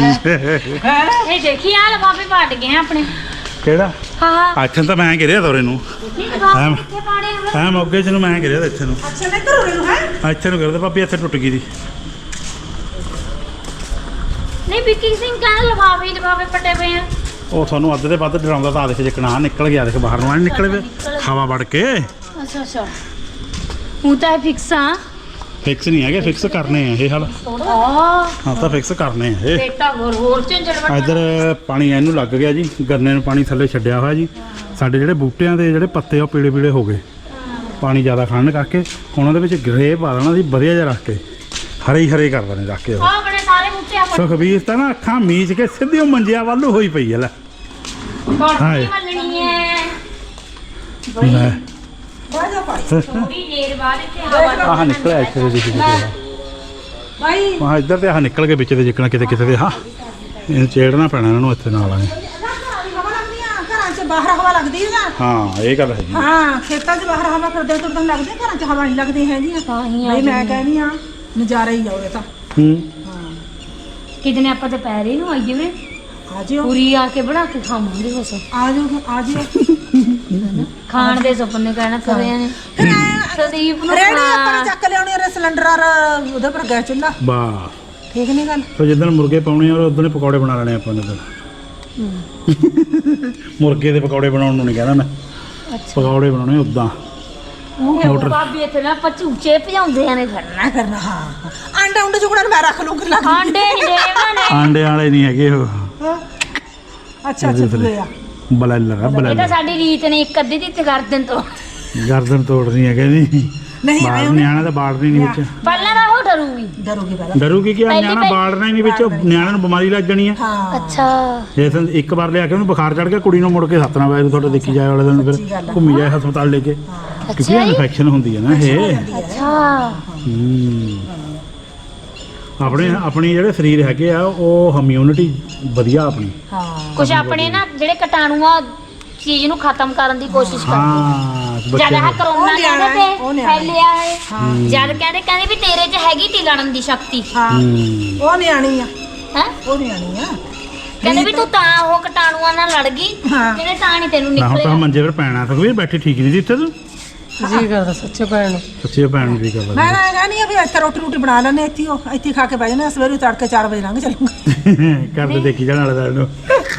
Speaker 4: ਹੈ
Speaker 5: ਇਹ ਦੇਖੀ ਆ ਲਫਾਫੇ ਪਾਟ ਗਏ ਆ ਆਪਣੇ
Speaker 1: ਕਿਹੜਾ
Speaker 5: ਹਾਂ
Speaker 1: ਅੱਛਾ ਤਾਂ ਮੈਂ ਗਿਰਿਆ ਤੋਰੇ ਨੂੰ
Speaker 5: ਇਹ ਲਫਾਫੇ ਕਿੱਥੇ ਪਾੜੇ ਆ
Speaker 1: ਐ ਮੌਕੇ ਚ ਨੂੰ ਮੈਂ ਗਿਰਿਆ ਇੱਥੇ ਨੂੰ
Speaker 4: ਅੱਛਾ ਨਹੀਂ ਕਰੂਰੇ ਨੂੰ ਹੈ
Speaker 1: ਇੱਥੇ ਨੂੰ ਗਿਰਦਾ ਭਾਬੀ ਇੱਥੇ ਟੁੱਟ ਗਈ ਦੀ
Speaker 5: ਨਹੀਂ ਵਿੱਕੀ ਸਿੰਘ ਕਹਿੰਦਾ ਲਫਾਫੇ ਲਫਾਫੇ ਪੱਟੇ ਪਏ ਆ
Speaker 1: ਉਹ ਤੁਹਾਨੂੰ ਅੱਧ ਦੇ ਵੱਧ ਡਰਾਉਂਦਾ ਤਾਂ ਆ ਦੇਖ ਜਿਕਣਾ ਨਿਕਲ ਗਿਆ ਦੇਖ ਬਾਹਰ ਨੂੰ ਐ ਨਿਕਲੇ ਵੇ ਹਵਾ ਵੜ ਕੇ
Speaker 5: ਅੱਛਾ ਅੱਛਾ ਉਹ ਤਾਂ ਫਿਕਸ ਆ
Speaker 1: ਫਿਕਸ ਨਹੀਂ ਹੈਗੇ ਫਿਕਸ ਕਰਨੇ ਆ ਇਹ ਹਾਲ
Speaker 5: ਆ
Speaker 1: ਹਾਂ ਤਾਂ ਫਿਕਸ ਕਰਨੇ ਆ ਇਹ
Speaker 5: ਬੇਟਾ ਹੋਰ ਹੋਰ ਝੰਜੜ ਵੱਟ
Speaker 1: ਇੱਧਰ ਪਾਣੀ ਇਹਨੂੰ ਲੱਗ ਗਿਆ ਜੀ ਗੰਨੇ ਨੂੰ ਪਾਣੀ ਥੱਲੇ ਛੱਡਿਆ ਹੋਇਆ ਜੀ ਸਾਡੇ ਜਿਹੜੇ ਬੂਟਿਆਂ ਦੇ ਜਿਹੜੇ ਪੱਤੇ ਉਹ ਪੀਲੇ ਪੀਲੇ ਹੋ ਗਏ ਪਾਣੀ ਜ਼ਿਆਦਾ ਖਾਣ ਕਰਕੇ ਉਹਨਾਂ ਦੇ ਵਿੱਚ ਗਰੇ ਪਾ ਦੇਣਾ ਸੀ ਵਧੀਆ ਜਿਹਾ ਰੱਖ ਕੇ ਹਰੇ ਹੀ ਹਰੇ ਕਰ ਦੇਣੇ ਰੱਖ ਕੇ ਉਹ
Speaker 5: ਆ ਬੜੇ ਸਾਰੇ ਬੂਟੇ ਆ
Speaker 1: ਸੁਖਬੀਰ ਤਾਂ ਨਾ ਅੱਖਾਂ ਮੀਚ ਕੇ ਸਿੱਧੀ ਉਹ ਮੰਜਿਆ ਵੱਲ ਨੂੰ ਹੋਈ ਪਈ ਹੈ ਲੈ ਹਾਏ।
Speaker 5: ਕੋਠੀ ਮੱਲਣੀ ਹੈ
Speaker 1: ਲੈ
Speaker 4: ਬਾਜਾ ਭਾਈ
Speaker 5: ਥੋੜੀ ਦੇਰ ਬਾਅਦ ਇੱਥੇ ਹਵਾ
Speaker 1: ਆਹ ਨਿਕਲਿਆ ਇੱਥੇ ਦੇ ਦੇਖੀ
Speaker 4: ਭਾਈ
Speaker 1: ਮਾ ਇੱਧਰ ਤੇ ਆਹ ਨਿਕਲ ਕੇ ਵਿੱਚ ਦੇ ਜਿੱਕਣਾ ਕਿਤੇ ਕਿਤੇ ਦੇ ਹਾਂ ਇਹਨੂੰ ਚੇੜਨਾ ਪੈਣਾ ਇਹਨਾਂ ਨੂੰ ਇੱਥੇ ਨਾਲ ਆਏ
Speaker 4: ਹਵਾ ਲੱਗਦੀ ਆ ਘਰਾਂ 'ਚ ਬਾਹਰ ਹਵਾ ਲੱਗਦੀ ਹੈ ਨਾ
Speaker 1: ਹਾਂ ਇਹ ਗੱਲ ਹੈਗੀ
Speaker 4: ਹਾਂ ਖੇਤਾਂ 'ਚ ਬਾਹਰ ਹਵਾ ਫਿਰਦੇ ਤੁਰਦਣ ਲੱਗਦੀ ਘਰਾਂ 'ਚ ਹਵਾ ਨਹੀਂ ਲੱਗਦੀ ਹੈਗੀ
Speaker 5: ਤਾਂ ਹੀ ਆ
Speaker 4: ਨਹੀਂ ਮੈਂ ਕਹਿੰਦੀ ਆ ਨਜ਼ਾਰਾ ਹੀ ਆਉਰੇ ਤਾਂ
Speaker 1: ਹੂੰ
Speaker 5: ਕਿਤੇ ਆਪਾਂ ਦੁਪਹਿਰੇ ਨੂੰ ਆਈਏ ਵੇ
Speaker 4: ਆ ਜਿਓ
Speaker 5: ਪੂਰੀ ਆ ਕੇ ਬਣਾ ਕੇ ਖਾਵਾਂਗੇ ਬਸ
Speaker 4: ਆ ਜਿਓ ਆ ਜਿਓ
Speaker 5: ਖਾਣ ਦੇ ਸੁਪਨੇ ਕਹਿਣਾ ਕਰਿਆ ਨੇ
Speaker 4: ਫਿਰ ਐਂ
Speaker 5: ਸੰਦੀਪ ਨੂੰ
Speaker 4: ਰੇੜੀ ਆਪਾਂ
Speaker 5: ਖਾ-
Speaker 4: ਨੇ ਚੱਕ ਲਿਆਉਣੀ ਰੇ ਸਿਲੰਡਰ ਔਰ ਉਹਦੇ ਪਰ ਗੈਸ ਚੁੱਲ੍ਹਾ
Speaker 1: ਵਾਹ
Speaker 4: ਠੀਕ ਨਹੀਂ ਗੱਲ
Speaker 1: ਫਿਰ ਜਿੱਦਣ ਮੁਰਗੇ ਪਾਉਣੇ ਆ ਉਦੋਂ ਹੀ ਪਕੌੜੇ ਬਣਾ ਲੈਣੇ ਆਪਾਂ ਨੇ ਫਿਰ ਮੁਰਗੇ ਦੇ ਪਕੌੜੇ ਬਣਾਉਣ ਨੂੰ ਨਹੀਂ ਕਹਿੰਦਾ ਮੈਂ ਪਕੌੜੇ ਬਣਾਉਣੇ ਉਦਾਂ ਮੋਟਰ
Speaker 5: ਭਾਬੀ ਇੱਥੇ ਨਾ ਆਪਾਂ ਝੂਚੇ ਭਜਾਉਂਦੇ ਆ ਨੇ ਫਿਰਨਾ
Speaker 4: ਕਰਨਾ ਹਾਂ ਆਂਡਾ ਉਂਡੇ ਚੁਗਣਾ ਮੈਂ ਰੱਖ ਲੂੰਗੀ ਲੱਗ
Speaker 5: ਆਂਡੇ ਨਹੀਂ ਦੇ ਉਹਨਾਂ ਨੇ
Speaker 1: ਆਂਡੇ ਵਾਲੇ ਨਹੀਂ ਹੈਗੇ ਉਹ
Speaker 4: ਅੱਛਾ ਅੱਛਾ ਪੂਰੇ ਆ
Speaker 1: ਬਲੈਲਰ ਆ
Speaker 5: ਇਹ ਤਾਂ
Speaker 1: ਬਲੈਲਰ
Speaker 5: ਸਾਡੀ ਰੀਤ ਨੇ ਇੱਕ ਅੱਧੀ ਦੀ ਗਰਦਨ ਤੋਂ
Speaker 1: ਗਰਦਨ ਤੋੜਨੀ ਹੈ ਕਹਿੰਦੀ
Speaker 4: ਨਹੀਂ
Speaker 1: ਬਾੜ
Speaker 4: ਆਏ
Speaker 1: ਨਿਆਣਾ ਤਾਂ ਬਾੜਨੀ ਨਹੀਂ ਵਿੱਚ
Speaker 5: ਪਹਿਲਾਂ ਤਾਂ ਉਹ ਡਰੂਗੀ
Speaker 4: ਡਰੋਗੇ ਪਹਿਲਾਂ
Speaker 1: ਡਰੂਗੀ ਕਿ ਆ
Speaker 5: ਪਹਿਲੀ
Speaker 1: ਨਿਆਣਾ
Speaker 5: ਪਹਿਲੀ-
Speaker 1: ਬਾੜਨਾ ਹੀ ਨਹੀਂ ਵਿੱਚ ਨਿਆਣੇ ਨੂੰ ਬਿਮਾਰੀ ਲੱਗ ਜਾਣੀ ਹੈ
Speaker 4: ਹਾਂ
Speaker 5: ਅੱਛਾ
Speaker 1: ਜੇ ਤੈਨੂੰ ਇੱਕ ਵਾਰ ਲਿਆ ਕੇ ਉਹਨੂੰ ਬੁਖਾਰ ਚੜ ਗਿਆ ਕੁੜੀ ਨੂੰ ਮੁੜ ਕੇ ਸੱਤਨਾ ਵਜੇ ਤੁਹਾਡੇ ਦੇਖੀ ਜਾਏ ਵਾਲੇ ਦਿਨ
Speaker 4: ਸੱਚੀ ਗੱਲ
Speaker 1: ਫਿਰ
Speaker 4: ਆ।
Speaker 1: ਘੁੰਮੀ ਜਾਏ ਹਸਪਤਾਲ ਲੈ ਕੇ ਕਿਉਂਕਿ
Speaker 5: ਅੱਛਾ ਜੀ।
Speaker 1: ਇਨਫੈਕਸ਼ਨ ਹੁੰਦੀ ਹੈ ਨਾ ਇਹ
Speaker 5: ਅੱਛਾ
Speaker 1: ਹੂੰ। ਆਪਣੇ ਆਪਣੀ ਜਿਹੜੇ ਸਰੀਰ ਹੈਗੇ ਆ ਉਹ ਇਮਿਊਨਿਟੀ ਵਧੀਆ ਆਪਣੀ
Speaker 4: ਹਾਂ
Speaker 5: ਕੁਝ ਆਪਣੇ ਨਾ ਜਿਹੜੇ ਕੀਟਾਣੂ ਆ ਚੀਜ਼ ਨੂੰ ਖਤਮ ਕਰਨ ਦੀ ਕੋਸ਼ਿਸ਼ ਕਰਦੇ
Speaker 1: ਹਾਂ
Speaker 5: ਜਦ
Speaker 1: ਬੱਚਿਆਂ
Speaker 5: ਆਹ
Speaker 1: ਨੂੰ
Speaker 5: ਕਰੋਨਾ
Speaker 4: ਉਹ ਨਿਆਣਾ
Speaker 5: ਕਹਿੰਦੇ
Speaker 4: ਹੈ, ਉਹ
Speaker 5: ਤੇ
Speaker 4: ਨਿਆਣਾ ਹੈ।
Speaker 5: ਫੈਲਿਆ ਹੈ ਜਦ ਕਹਿੰਦੇ ਕਹਿੰਦੇ ਵੀ ਤੇਰੇ 'ਚ ਹੈਗੀ ਤੀ ਲੜਨ ਦੀ ਸ਼ਕਤੀ
Speaker 4: ਹਾਂ
Speaker 1: ਹੂੰ।
Speaker 4: ਉਹ ਨਿਆਣੀ ਆ
Speaker 5: ਹੈ
Speaker 4: ਉਹ ਨਿਆਣੀ ਆ
Speaker 5: ਕਹਿੰਦੇ ਵੀ ਤੂੰ ਤਾਂ ਉਹ ਕੀਟਾਣੂਆਂ ਨਾਲ ਲੜ ਗਈ
Speaker 4: ਹਾਂ।
Speaker 5: ਕਹਿੰਦੇ ਤਾਂ ਨਹੀਂ ਤੈਨੂੰ
Speaker 1: ਮੈਂ ਹੁਣ ਤਾਂ
Speaker 5: ਨਿਕਲਿਆ
Speaker 1: ਮੰਜੇ ਪਰ ਪੈਣਾ ਸੁਖਵੀਰ ਬੈਠੀ ਠੀਕ ਨਹੀਂ ਸੀ ਇੱਥੇ ਤੂੰ
Speaker 2: ਜੀ ਕਰਦਾ ਸੱਚੇ ਭੈਣ ਨੂੰ
Speaker 1: ਸੱਚੀ ਭੈਣ ਨੂੰ ਵੀ ਕਰ
Speaker 4: ਮੈਂ ਨਾ ਕਹਿੰਦੀ ਆ ਵੀ ਇੱਥੇ ਰੋਟੀ ਰੋਟੀ ਬਣਾ ਲੈਣੇ ਇੱਥੇ ਹੀ ਉਹ ਇੱਥੇ ਹੀ ਖਾ ਕੇ ਬਹਿ ਜਾਣਾ ਸਵੇਰੇ ਤੜਕੇ ਚਾਰ ਵਜੇ ਲੰਘ ਚੱਲੂਗਾ
Speaker 1: ਘਰ ਦੇ ਦੇਖੀ ਜਾਣ ਵਾਲੇ ਦਾ ਨੂੰ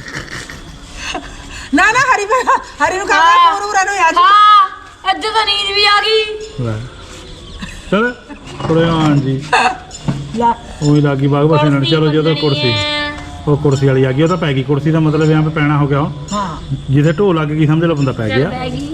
Speaker 4: ਨਾ ਨਾ ਹਰੀ ਮੈਂ ਹਰੀ ਨੂੰ ਕਹਾਂ ਪੂਰਾ ਨੂੰ ਆ ਜੀ
Speaker 5: ਹਾਂ ਅੱਜ ਤਾਂ ਨੀਂਦ ਵੀ ਆ ਗਈ
Speaker 1: ਲੈ। ਚੱਲ ਥੋੜੇ ਹਾਂ ਜੀ
Speaker 4: ਲੈ
Speaker 1: ਉਹੀ ਲੱਗੀ ਬਾਗ ਬਸ ਇਹਨਾਂ ਨੂੰ ਚਲੋ ਜਦੋਂ ਕੁਰਸੀ ਉਹ ਕੁਰਸੀ ਵਾਲੀ ਆ ਗਈ ਉਹ ਤਾਂ ਪੈ ਗਈ ਕੁਰਸੀ ਦਾ ਮਤਲਬ यहाँ पे ਪੈਣਾ ਹੋ ਗਿਆ ਉਹ।
Speaker 4: ਹਾਂ
Speaker 1: ਜਿੱਥੇ ਢੋ ਲੱਗ ਗਈ ਸਮਝ ਲਓ ਬੰਦਾ ਪੈ
Speaker 5: ਚੱਲ
Speaker 1: ਗਿਆ
Speaker 5: ਪੈ ਗਈ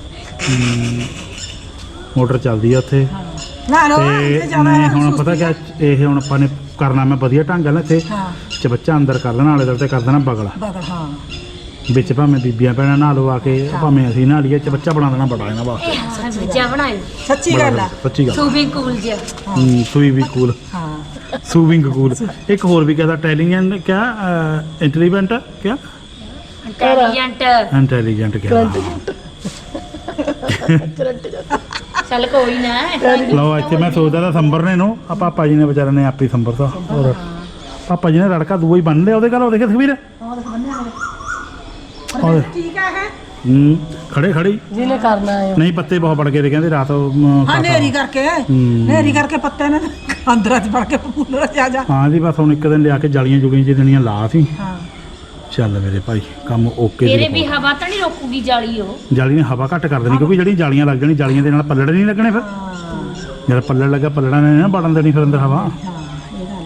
Speaker 1: ਮੋਟਰ ਚੱਲਦੀ ਆ ਉੱਥੇ
Speaker 4: ਨਾ ਨਾ
Speaker 1: ਤੇ
Speaker 4: ਇੱਥੇ ਜਾਣਾ
Speaker 1: ਮੈਂ ਹੁਣ ਪਤਾ ਕਿਆ ਇਹ ਹੁਣ ਆਪਾਂ ਨੇ ਕਰਨਾ ਮੈਂ ਵਧੀਆ ਢੰਗ ਨਾਲ ਇੱਥੇ
Speaker 4: ਹਾਂ
Speaker 1: ਚਬੱਚਾ ਅੰਦਰ ਕਰ ਦੇਣਾ ਆਲੇ ਦੁਆਲੇ ਤੇ ਕਰ ਦੇਣਾ ਬਗਲਾ
Speaker 4: ਬਗਲ ਹਾਂ
Speaker 1: ਵਿੱਚ ਭਾਵੇਂ ਬੀਬੀਆਂ ਭੈਣਾਂ ਨਹਾ ਲਓ ਆ ਕੇ ਭਾਵੇਂ ਅਸੀਂ ਨਹਾ ਲਈਏ ਚਬੱਚਾ ਬਣਾ ਦੇਣਾ ਬੜਾ ਇਹਨਾਂ ਵਾਸਤੇ
Speaker 5: ਬੱਚਾ ਬਣਾਇਓ
Speaker 4: ਸੱਚੀ ਗੱਲ ਆ
Speaker 1: ਸੱਚੀ ਗੱਲ
Speaker 5: ਸੂਬਿੰਗ ਕੂਲ ਜਿਹਾ
Speaker 1: ਹੂੰ, ਸੂਈ ਵੀ ਕੂਲ
Speaker 4: ਹਾਂ
Speaker 1: ਸੂਵਿੰਗ ਕੂਲ ਇੱਕ ਹੋਰ ਵੀ ਕਹਦਾ ਟੈਲੀਜੈਂਟ ਕਿਆ ਇੰਟੈਲੀਜੈਂਟ ਕਿਆ
Speaker 5: ਇੰਟੈਲੀਜੈਂਟ
Speaker 1: ਇੰਟੈਲੀਜੈਂਟ ਕਿਆ
Speaker 5: ਚੱਲ ਕੋਈ ਨਾ
Speaker 1: ਲਓ ਇੱਥੇ ਮੈਂ ਸੋਚਦਾ ਤਾਂ ਸੰਬਰ ਨੇ ਨੂੰ ਆ ਪਾਪਾ ਜੀ ਨੇ ਵਿਚਾਰੇ ਨੇ ਆਪੇ ਸੰਬਰ ਤਾਂ ਹੋਰ ਪਾਪਾ ਜੀ ਨੇ ਰੜਕਾ ਦੂਆ ਹੀ ਬੰਨ ਲਿਆ ਉਹਦੇ ਘਰ ਉਹ ਦੇਖੇ ਤਸਵੀਰ ਉਹਦੇ
Speaker 4: ਠੀਕ ਆ ਹੈ
Speaker 1: ਹੂੰ ਖੜੇ ਖੜੀ
Speaker 2: ਜਿਹਨੇ ਕਰਨਾ ਹੈ
Speaker 1: ਨਹੀਂ ਪੱਤੇ ਬਹੁਤ ਵੜ ਗਏ ਤੇ ਕਹਿੰਦੇ ਰਾਤ ਅਮ,
Speaker 4: ਹਾਂ
Speaker 1: ਖਾਤਾ।
Speaker 4: ਨੇਰੀ ਕਰਕੇ
Speaker 1: ਹੂੰ।
Speaker 4: ਨੇਰੀ ਕਰਕੇ ਪੱਤੇ ਨੇ ਅੰਦਰਾਂ ਚ ਵੜ ਕੇ ਫੁੱਲ ਜਾ ਜਾ
Speaker 1: ਹਾਂ ਜੀ ਬਸ ਹੁਣ ਇੱਕ ਦਿਨ ਲਿਆ ਕੇ ਜਾਲੀਆਂ ਜੁਗੀਆਂ ਜਿਹੜੀਆਂ ਲਾ ਸੀ
Speaker 4: ਹਾਂ
Speaker 1: ਚੱਲ ਮੇਰੇ ਭਾਈ ਕੰਮ ਓਕੇ
Speaker 5: ਤੇਰੇ
Speaker 1: ਦੀ
Speaker 5: ਵੀ ਹਵਾ ਤਾਂ ਨਹੀਂ ਰੋਕੂਗੀ ਜਾਲੀ ਉਹ
Speaker 1: ਜਾਲੀ ਨੇ ਹਵਾ ਘੱਟ ਕਰ ਦੇਣੀ ਕਿਉਂਕਿ ਜਿਹੜੀਆਂ ਜਾਲੀਆਂ ਲੱਗ ਜਾਣੀ ਜਾਲੀਆਂ ਦੇ ਨਾਲ ਪੱਲੜ ਨਹੀਂ ਲੱਗਣੇ ਫਿਰ ਜਦ ਪੱਲੜ ਲੱਗਾ ਪੱਲੜਾਂ ਨੇ ਨਾ ਵੜਨ ਦੇਣੀ ਫਿਰ ਅੰਦਰ ਹਵਾ
Speaker 4: ਹਾਂ ਇਹ ਗੱਲ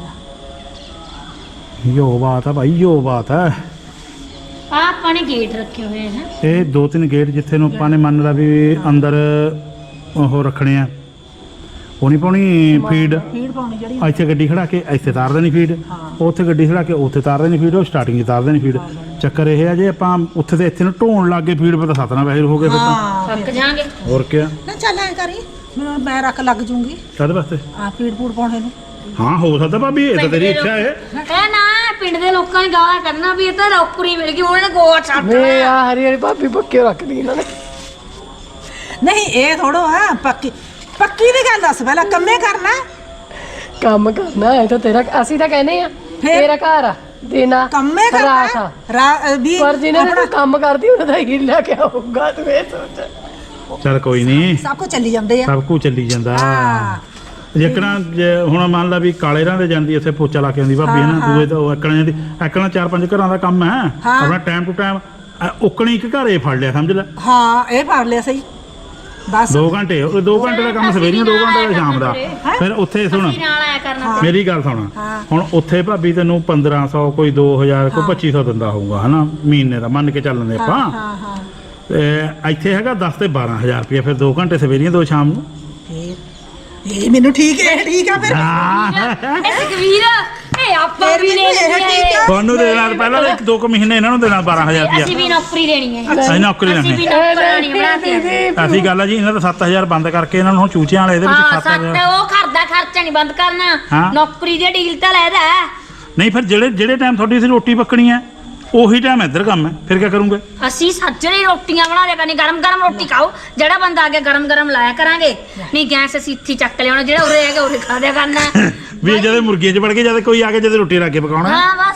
Speaker 4: ਆ
Speaker 1: ਯੋ ਬਾਤ ਹੈ ਭਾਈ ਯੋ ਬਾਤ ਹੈ
Speaker 5: ਆ ਆਪਾਂ ਨੇ ਗੇਟ ਰੱਖੇ ਹੋਏ ਹਨ
Speaker 1: ਇਹ ਦੋ ਤਿੰਨ ਗੇਟ ਜਿੱਥੇ ਨੂੰ ਆਪਾਂ ਨੇ ਮੰਨ ਲਾ ਵੀ ਅੰਦਰ ਉਹ ਰੱਖਣੇ ਆ ਉਹ ਨਹੀਂ ਪਾਉਣੀ ਫੀਡ
Speaker 4: ਫੀਡ ਪਾਉਣੀ ਜਿਹੜੀ
Speaker 1: ਇੱਥੇ ਗੱਡੀ ਖੜਾ ਕੇ ਇੱਥੇ ਤਾਰ ਦੇਣੀ ਫੀਡ ਉੱਥੇ ਗੱਡੀ ਖੜਾ ਕੇ ਉੱਥੇ ਤਾਰ ਦੇਣੀ ਫੀਡ ਉਹ ਸਟਾਰਟਿੰਗ 'ਚ ਤਾਰ ਦੇਣੀ ਫੀਡ ਚੱਕਰ ਇਹ ਆ ਜੇ ਆਪਾਂ ਉੱਥੇ ਤੇ ਇੱਥੇ ਨੂੰ ਢੋਣ ਲੱਗ ਗਏ ਫੀਡ ਪਰ ਤਾਂ ਸਤਨਾ ਵੈਸੇ ਹੋ ਗਏ ਫਿਰ ਤਾਂ
Speaker 4: ਹਾਂ
Speaker 5: ਥੱਕ ਜਾਾਂਗੇ
Speaker 1: ਹੋਰ ਕਿਆ
Speaker 4: ਨਾ ਚੱਲ ਐ ਕਰੀ ਮੈਂ ਮੈਂ ਰੱਖ ਲੱਗ ਜੂੰਗੀ
Speaker 1: ਕਾਹਦੇ ਵਾਸਤੇ
Speaker 4: ਆ ਫੀਡ ਫੂਡ ਪਾਉਣੇ ਨੂੰ
Speaker 1: ਹਾਂ ਹੋ ਸਕਦਾ ਭਾਬੀ ਇਹ ਤਾਂ ਤੇਰੀ ਇੱਛਾ ਹੈ
Speaker 5: ਇਹ ਨਾ ਪਿੰਡ ਦੇ ਲੋਕਾਂ ਨੇ ਗਾਲਾਂ ਕਰਨਾ ਵੀ ਇਹ ਤਾਂ ਨੌਕਰੀ ਮਿਲ ਗਈ ਉਹਨਾਂ ਨੇ ਗੋਆ ਛੱਡ
Speaker 2: ਵੇ ਆ ਹਰੀ ਹਰੀ ਭਾਬੀ ਪੱਕੇ ਰੱਖ ਲਈ ਇਹਨਾਂ ਨੇ
Speaker 4: ਨਹੀਂ ਇਹ ਥੋੜੋ ਆ ਪੱਕੀ ਪੱਕੀ ਦੀ ਗੱਲ ਦੱਸ ਪਹਿਲਾਂ ਕੰਮੇ ਕਰਨਾ
Speaker 2: ਕੰਮ ਕਰਨਾ ਹੈ ਤਾਂ ਤੇਰਾ ਅਸੀਂ ਤਾਂ ਕਹਿੰਦੇ ਆ
Speaker 4: ਫਿਰ?
Speaker 2: ਤੇਰਾ ਘਰ ਆ ਦੇਣਾ
Speaker 4: ਕੰਮੇ
Speaker 2: ਰਾਤ
Speaker 4: ਕਰਨਾ
Speaker 2: ਆ।
Speaker 4: ਰਾ ਵੀ
Speaker 2: ਪਰ ਜਿਹਨੇ
Speaker 4: ਆਪਣਾ
Speaker 2: ਤੂੰ ਕੰਮ ਕਰਦੀ ਉਹਨਾਂ ਦਾ ਹੀ ਲੈ ਕੇ ਆਊਗਾ ਤੂੰ ਇਹ ਸੋਚ
Speaker 1: ਚੱਲ ਕੋਈ ਨਹੀਂ
Speaker 4: ਸਭ ਕੁਝ ਚੱਲੀ ਜਾਂਦੇ ਆ
Speaker 1: ਸਭ ਕੁਝ ਚੱਲੀ ਜਾਂਦਾ
Speaker 4: ਹਾਂ
Speaker 1: ਜੇਕਣਾ ਜੇ ਹੁਣ ਮੰਨ ਲਾ ਵੀ ਕਾਲੇ ਰਾਂ ਦੇ ਜਾਂਦੀ ਇੱਥੇ ਪੋਚਾ ਲਾ ਕੇ ਆਉਂਦੀ ਭਾਬੀ ਹੈ ਨਾ ਦੂਏ ਤਾਂ ਉਹ ਐਕਣਾ ਜਾਂਦੀ ਐਕਣਾ ਚਾਰ ਪੰਜ ਘਰਾਂ ਦਾ ਕੰਮ ਹੈ
Speaker 4: ਹਾਂ।
Speaker 1: ਆਪਣਾ ਟਾਈਮ ਟੂ ਟਾਈਮ ਉਕਣੀ ਇੱਕ ਘਰੇ ਫੜ ਲਿਆ ਸਮਝ ਲੈ
Speaker 4: ਹਾਂ ਇਹ ਫੜ ਲਿਆ ਸਹੀ ਬਸ
Speaker 1: ਦੋ ਘੰਟੇ ਉਹ ਦੋ ਘੰਟੇ ਦਾ ਕੰਮ ਸਵੇਰੀਆਂ ਦੋ ਘੰਟੇ ਦਾ ਸ਼ਾਮ ਦਾ ਫਿਰ ਉੱਥੇ ਸੁਣ
Speaker 5: ਅਸੀਂ ਨਾਲ ਆਇਆ ਕਰਨਾ
Speaker 1: ਮੇਰੀ ਗੱਲ ਸੁਣ
Speaker 4: ਹਾਂ।
Speaker 1: ਹੁਣ ਉੱਥੇ ਭਾਬੀ ਤੈਨੂੰ ਪੰਦਰਾਂ ਸੌ ਕੋਈ ਦੋ ਹਜ਼ਾਰ ਕੋਈ ਪੱਚੀ ਸੌ ਦਿੰਦਾ ਹੋਊਗਾ ਹਨਾ ਮਹੀਨੇ ਦਾ ਮੰਨ ਕੇ ਚੱਲਦੇ ਆਪਾਂ
Speaker 4: ਹਾਂ ਹਾਂ
Speaker 1: ਤੇ ਇੱਥੇ ਹੈਗਾ ਦਸ ਤੇ ਬਾਰਾਂ ਹਜ਼ਾਰ ਰੁਪਏ ਫਿਰ ਦੋ ਘੰਟੇ ਸਵੇਰੀਆਂ ਦੋ ਸ਼ਾਮ ਨੂੰ
Speaker 4: ਫੇਰ ਇਹ ਮੈਨੂੰ ਠੀਕ ਹੈ ਇਹ ਠੀਕ ਆ ਫਿਰ
Speaker 5: ਇਹ ਸੁਖਵੀਰ ਇਹ ਆਪਾਂ
Speaker 4: ਫਿਰ
Speaker 5: ਵੀ
Speaker 4: ਮੈਨੂੰ
Speaker 5: ਲੈ
Speaker 4: ਇਹ
Speaker 5: ਲੈਣੀ
Speaker 4: ਠੀਕ
Speaker 5: ਹੈ
Speaker 4: ਆ
Speaker 1: ਤੁਹਾਨੂੰ ਦੇਣਾ ਪਹਿਲਾਂ ਤਾਂ ਇੱਕ ਦੋ ਕੁ ਮਹੀਨੇ ਇਹਨਾਂ ਨੂੰ ਦੇਣਾ ਬਾਰਾਂ ਹਜ਼ਾਰ
Speaker 5: ਅਸੀਂ
Speaker 1: ਰੁਪਏ
Speaker 5: ਵੀ ਨੌਕਰੀ ਲੈਣੀ ਹੈ
Speaker 1: ਅਸੀਂ ਨੌਕਰੀ
Speaker 5: ਅਸੀਂ ਵੀ
Speaker 1: ਲੈਣੀ
Speaker 5: ਨੌਕਰਾਣੀ ਬਣਾਤੀ
Speaker 1: ਐਸੀ ਗੱਲ ਆ ਜੀ ਇਹਨਾਂ ਦਾ ਸੱਤ ਹਜ਼ਾਰ ਬੰਦ ਕਰਕੇ ਇਹਨਾਂ ਨੂੰ ਹੁਣ ਚੂਚਿਆਂ ਵਾਲੇ ਇਹਦੇ ਵਿੱਚ
Speaker 5: ਹਾਂ
Speaker 1: ਸੱਤ
Speaker 5: ਸੱਤ
Speaker 1: ਹਜ਼ਾਰ
Speaker 5: ਉਹ ਘਰ ਦਾ ਖਰਚਾ ਨਹੀਂ ਬੰਦ ਕਰਨਾ
Speaker 1: ਹਾਂ।
Speaker 5: ਨੌਕਰੀ ਦੀ ਡੀਲ ਤਾਂ ਲੈਦਾ
Speaker 1: ਨਹੀਂ ਫਿਰ ਜਿਹੜੇ ਜਿਹੜੇ ਟਾਈਮ ਤੁਹਾਡੀ ਸੀ ਰੋਟੀ ਪੱਕਣੀ ਹੈ ਉਹੀ ਟਾਈਮ ਇੱਧਰ ਕੰਮ ਹੈ ਫਿਰ ਕੀ ਕਰੂੰਗੇ
Speaker 5: ਅਸੀਂ ਸੱਜਰੇ ਰੋਟੀਆਂ ਬਣਾ ਲਿਆ ਕਰਨੀ ਗਰਮ ਗਰਮ ਰੋਟੀ ਖਾਓ ਜਿਹੜਾ ਬੰਦਾ ਆ ਗਿਆ ਗਰਮ ਗਰਮ ਲਾਇਆ ਕਰਾਂਗੇ ਨਹੀਂ ਗੈਸ ਅਸੀਂ ਇੱਥੇ ਹੀ ਚੱਕ ਲਿਆਉਣਾ ਜਿਹੜਾ ਉਰੇ ਹੈਗਾ ਉਰੇ ਖਾ ਦਿਆ ਕਰਨਾ
Speaker 1: ਵੀ ਜਦੋਂ ਮੁਰਗੀਆਂ 'ਚ ਵੜ ਕੇ ਜਦ ਕੋਈ ਆ ਕੇ ਜਦ ਰੋਟੀ ਲਾ ਕੇ ਪਕਾਉਣਾ
Speaker 5: ਹਾਂ ਬਸ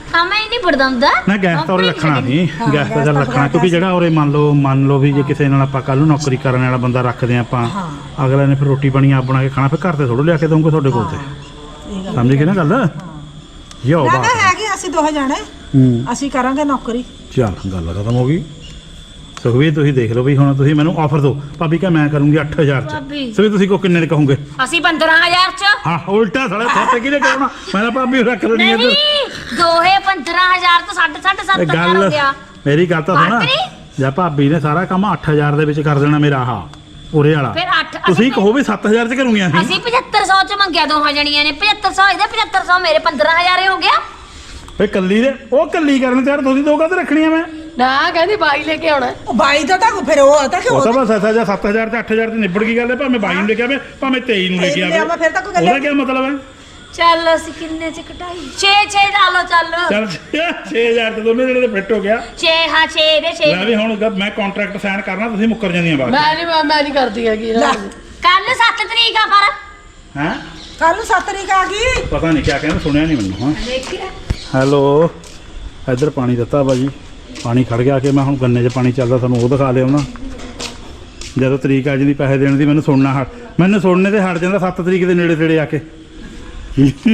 Speaker 5: ਹਾਂ ਮੈਂ ਨਹੀਂ ਪੜਦਾ ਹੁੰਦਾ
Speaker 1: ਨਾ ਗੈਸ ਤਾਂ ਉਰੇ ਰੱਖਣਾ ਨਹੀਂ ਗੈਸ ਤਾਂ ਚੱਲ ਰੱਖਣਾ ਕਿਉਂਕਿ ਜਿਹੜਾ ਉਰੇ ਮੰਨ ਲਓ ਮੰਨ ਲਓ ਵੀ ਜੇ ਕਿਸੇ ਨਾਲ ਆਪਾਂ ਕੱਲ ਨੂੰ ਨੌਕਰੀ ਕਰਨ ਵਾਲਾ ਬੰਦਾ ਰੱਖਦੇ ਆ ਆਪਾਂ ਅਗਲੇ ਨੇ ਫਿਰ ਰੋਟੀ ਪਾਣੀ ਆਪ ਬਣਾ ਕੇ ਖਾਣਾ ਫਿਰ ਘਰ ਤੇ ਥੋੜ੍ਹਾ ਲਿਆ ਕੇ ਦਊਂਗੇ ਤੁਹਾਡੇ ਕੋਲ ਤੇ ਸਮਝ ਗਏ ਨਾ ਗੱਲ ਯੋ
Speaker 4: ਨਾ
Speaker 1: ਬਾਤ
Speaker 4: ਨਾ ਹੈਗੇ ਅਸੀਂ ਦੋਹੇ ਜਾਣੇ
Speaker 1: ਹੂੰ
Speaker 4: ਅਸੀਂ ਕਰਾਂਗੇ ਨੌਕਰੀ
Speaker 1: ਚੱਲ ਗੱਲ ਖਤਮ ਹੋ ਗਈ ਸੁਖਵੀਰ ਤੁਸੀਂ ਦੇਖ ਲਓ ਵੀ ਹੁਣ ਤੁਸੀਂ ਮੈਨੂੰ ਆਫਰ ਦਿਓ ਭਾਬੀ ਕਹ ਮੈਂ ਕਰੂੰਗੀ ਅੱਠ ਹਜ਼ਾਰ ਚ
Speaker 5: ਭਾਬੀ।
Speaker 1: ਸੁਖਵੀਰ ਤੁਸੀਂ ਕੋ ਕਿੰਨੇ ਦੇ ਕਹੋਗੇ
Speaker 5: ਅਸੀਂ ਪੰਦਰਾਂ ਹਜ਼ਾਰ ਚ
Speaker 1: ਹਾਂ ਉਲਟਾ ਸਾਲਾ ਸੱਤ ਕਿਹਨੇ ਕਹਣਾ ਮੈਂ ਤਾਂ ਭਾਬੀ ਰੱਖ ਲੈਣੀ ਇੱਧਰ
Speaker 5: ਨਹੀਂ ਦੋਹੇ ਪੰਦਰਾਂ ਹਜ਼ਾਰ ਤੋਂ ਸਾਢੇ ਸਾਢੇ ਸੱਤ
Speaker 1: ਇਹ
Speaker 5: ਹਜ਼ਾਰ ਹੋ
Speaker 1: ਗੱਲ
Speaker 5: ਗਿਆ
Speaker 1: ਮੇਰੀ ਗੱਲ ਤਾਂ ਸੁਣਾ
Speaker 5: ਬਾਤ ਨੀ?
Speaker 1: ਜਾਂ ਭਾਬੀ ਨੇ ਸਾਰਾ ਕੰਮ ਅੱਠ ਹਜ਼ਾਰ ਦੇ ਵਿੱਚ ਕਰ ਦੇਣਾ ਮੇਰਾ ਆਹ ਉਰੇ ਵਾਲਾ
Speaker 5: ਫਿਰ ਅੱਠ
Speaker 1: ਤੁਸੀਂ
Speaker 5: ਅਸੀਂ
Speaker 1: ਕਹੋ ਵੀ ਸੱਤ ਹਜ਼ਾਰ ਚ ਕਰੂੰਗੀਆਂ ਸੀ
Speaker 5: ਅਸੀਂ ਪਝੱਤਰ ਸੌ ਚ ਮੰਗਿਆ ਦੋਹਾਂ ਜਣੀਆਂ ਨੇ ਪਝੱਤਰ ਸੌ ਇਹਦੇ ਪਝੱਤਰ ਸੌ ਮੇਰੇ ਪੰਦਰਾਂ ਹਜ਼ਾਰ ਹੋ ਗਿਆ
Speaker 1: ਫੇ ਕੱਲੀ ਦੇ ਉਹ ਕੱਲੀ ਕਰਨ ਤੇ ਯਾਰ ਤੁਸੀਂ ਦੋ ਕਾਹਤੇ ਰੱਖਣੀਆਂ ਮੈਂ
Speaker 2: ਨਾ ਕਹਿੰਦੀ ਬਾਈ ਲੈ ਕੇ ਆਉਣਾ
Speaker 4: ਉਹ ਬਾਈ ਦਾ ਤਾਂ ਫਿਰ ਉਹ ਤਾਂ ਕਿ
Speaker 1: ਉਹ ਤਾਂ ਬਸ ਐਸਾ ਜਾਂ ਸੱਤ ਹਜ਼ਾਰ ਤੇ ਅੱਠ ਹਜ਼ਾਰ ਤੇ ਨਿਬੜ ਗਈ ਗੱਲ ਹੈ ਭਾਵੇਂ ਬਾਈ ਨੂੰ ਲੈ ਕੇ ਆਵੇ ਭਾਵੇਂ ਤੇਈ ਨੂੰ ਲੈ ਕੇ
Speaker 4: ਤੇਈ ਨੂੰ
Speaker 1: ਆਵੇ
Speaker 4: ਲਿਆਵਾਂ, ਫਿਰ ਤਾਂ ਕੋਈ ਗੱਲ
Speaker 1: ਉਹਦਾ
Speaker 4: ਨਹੀਂ।
Speaker 1: ਕੀ ਮਤਲਬ ਹੈ
Speaker 5: ਚੱਲ ਅਸੀਂ ਕਿੰਨੇ ਚ ਕਟਾਈ ਛੇ ਛੇ ਲਾ ਲਓ ਚੱਲ
Speaker 1: ਚੱਲ ਛੇ ਹਜ਼ਾਰ ਤੇ ਦੋਨੇ ਜਿਹੜੇ ਤੇ ਫਿੱਟ ਹੋ ਗਿਆ
Speaker 5: ਛੇ ਹਾਂ ਛੇ ਦੇ ਛੇ
Speaker 1: ਲੈ ਵੀ ਹੁਣ ਜਦ ਮੈਂ ਕੰਟਰੈਕਟ ਸਾਈਨ ਕਰਨਾ ਤੁਸੀਂ ਮੁੱਕਰ ਜਾਂਦੀਆਂ ਬਾਅਦ
Speaker 2: ਮੈਂ ਨਹੀਂ ਮੈਂ ਨਹੀਂ ਕਰਦੀ ਹੈਗੀ
Speaker 4: ਲੈ,
Speaker 5: ਕੱਲ ਸੱਤ ਤਰੀਕ ਆ ਪਰ
Speaker 1: ਹੈ
Speaker 4: ਕੱਲ ਨੂੰ ਸੱਤ ਤਰੀਕ ਆ ਗਈ
Speaker 1: ਪਤਾ ਨਹੀਂ ਕਿਆ ਕਹਿੰਦੇ ਸੁਣਿਆ ਨਹੀਂ ਮੈਨੂੰ ਹਾਂ
Speaker 5: ਦੇਖਿਆ
Speaker 1: ਹੈਲੋ ਇੱਧਰ ਪਾਣੀ ਦਿੱਤਾ ਭਾਜੀ ਪਾਣੀ ਖੜ ਗਿਆ ਕਿ ਮੈਂ ਹੁਣ ਗੰਨੇ 'ਚ ਪਾਣੀ ਚੱਲਦਾ ਤੁਹਾਨੂੰ ਉਹ ਦਿਖਾ ਲਿਆ ਨਾ ਜਦੋਂ ਤਰੀਕ ਆ ਜਾਂਦੀ ਪੈਸੇ ਦੇਣ ਦੀ ਮੈਨੂੰ ਸੁਣਨਾ ਹਟ ਮੈਨੂੰ ਸੁਣਨੇ ਤੇ ਹਟ ਜਾਂਦਾ ਸੱਤ ਤਰੀਕ ਦੇ ਨੇੜੇ ਤੇੜੇ ਆ ਕੇ
Speaker 5: ਕੋਈ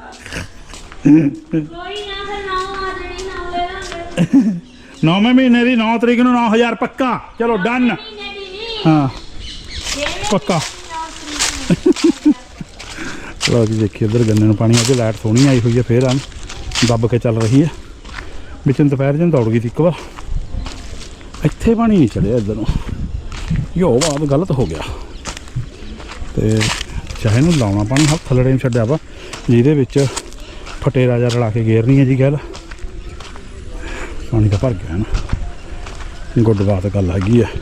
Speaker 5: ਨਾ ਫਿਰ ਨੌ ਆ ਜਣੀ ਨੌ ਲੈ ਲਾਂਗੇ
Speaker 1: ਨੌਵੇਂ ਮਹੀਨੇ ਦੀ ਨੌ ਤਰੀਕ ਨੂੰ ਨੌ ਹਜ਼ਾਰ ਪੱਕਾ ਚਲੋ ਡਨ
Speaker 5: ਮਹੀਨੇ ਦੀ ਨਹੀਂ
Speaker 1: ਹਾਂ
Speaker 5: ਛੇਵੇਂ
Speaker 1: ਪੱਕਾ
Speaker 5: ਨੌ ਤਰੀਕ
Speaker 1: ਲਓ ਜੀ ਦੇਖੀਏ ਇੱਧਰ ਗੰਨੇ ਨੂੰ ਪਾਣੀ ਆ ਕੇ ਲਾਈਟ ਸੋਹਣੀ ਆਈ ਹੋਈ ਹੈ ਫੇਰ ਆਂ ਦੱਬ ਕੇ ਚੱਲ ਰਹੀ ਹੈ ਵਿੱਚੋਂ ਦੁਪਹਿਰ ਜਨ ਦੌੜ ਗਈ ਸੀ ਇੱਕ ਵਾਰ ਇੱਥੇ ਪਾਣੀ ਨਹੀਂ ਚੜਿਆ ਇੱਧਰ ਨੂੰ ਯੋ ਬਾਤ ਗਲਤ ਹੋ ਗਿਆ ਤੇ ਚਾਹੇ ਨੂੰ ਲਾਉਣਾ ਪਾਣੀ ਹੱਥ ਥੱਲੜੇ ਨੂੰ ਛੱਡਿਆ ਵਾ ਜਿਹਦੇ ਵਿੱਚ ਫਟੇਰਾ ਜਿਹਾ ਰਲਾ ਕੇ ਗੇਰਨੀ ਹੈ ਜੀ ਗੱਲ ਪਾਣੀ ਤਾਂ ਭਰ ਗਿਆ ਨਾ ਗੁੱਡ ਬਾਤ ਗੱਲ ਹੈਗੀ ਹੈ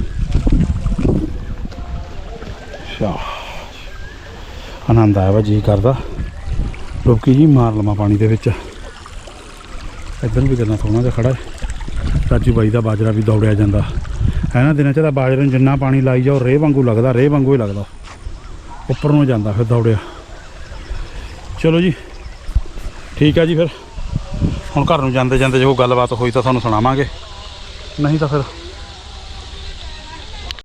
Speaker 1: ਸ਼ਾਹ ਆਨੰਦ ਆਇਆ ਵਾ ਜੀ ਕਰਦਾ ਲੋਕੀ ਜੀ ਮਾਰ ਲਵਾਂ ਪਾਣੀ ਦੇ ਵਿੱਚ ਇੱਧਰ ਵੀ ਕਰਨਾ ਸੋਹਣਾ ਜਿਹਾ ਖੜਾ ਹੈ ਰਾਜੂ ਬਾਈ ਦਾ ਬਾਜਰਾ ਵੀ ਦੌੜਿਆ ਜਾਂਦਾ ਹੈ ਨਾ ਦਿਨਾਂ 'ਚ ਤਾਂ ਬਾਜਰੇ ਨੂੰ ਜਿੰਨਾ ਪਾਣੀ ਲਾਈ ਜਾਓ ਰੇਹ ਵਾਂਗੂ ਲੱਗਦਾ ਰੇਹ ਵਾਂਗੂ ਹੀ ਲੱਗਦਾ ਉੱਪਰ ਨੂੰ ਜਾਂਦਾ ਫਿਰ ਦੌੜਿਆ ਚਲੋ ਜੀ ਠੀਕ ਆ ਜੀ ਫਿਰ ਹੁਣ ਘਰ ਨੂੰ ਜਾਂਦੇ ਜਾਂਦੇ ਜੋ ਗੱਲਬਾਤ ਹੋਈ ਤਾਂ ਤੁਹਾਨੂੰ ਸੁਣਾਵਾਂਗੇ ਨਹੀਂ ਤਾਂ ਫਿਰ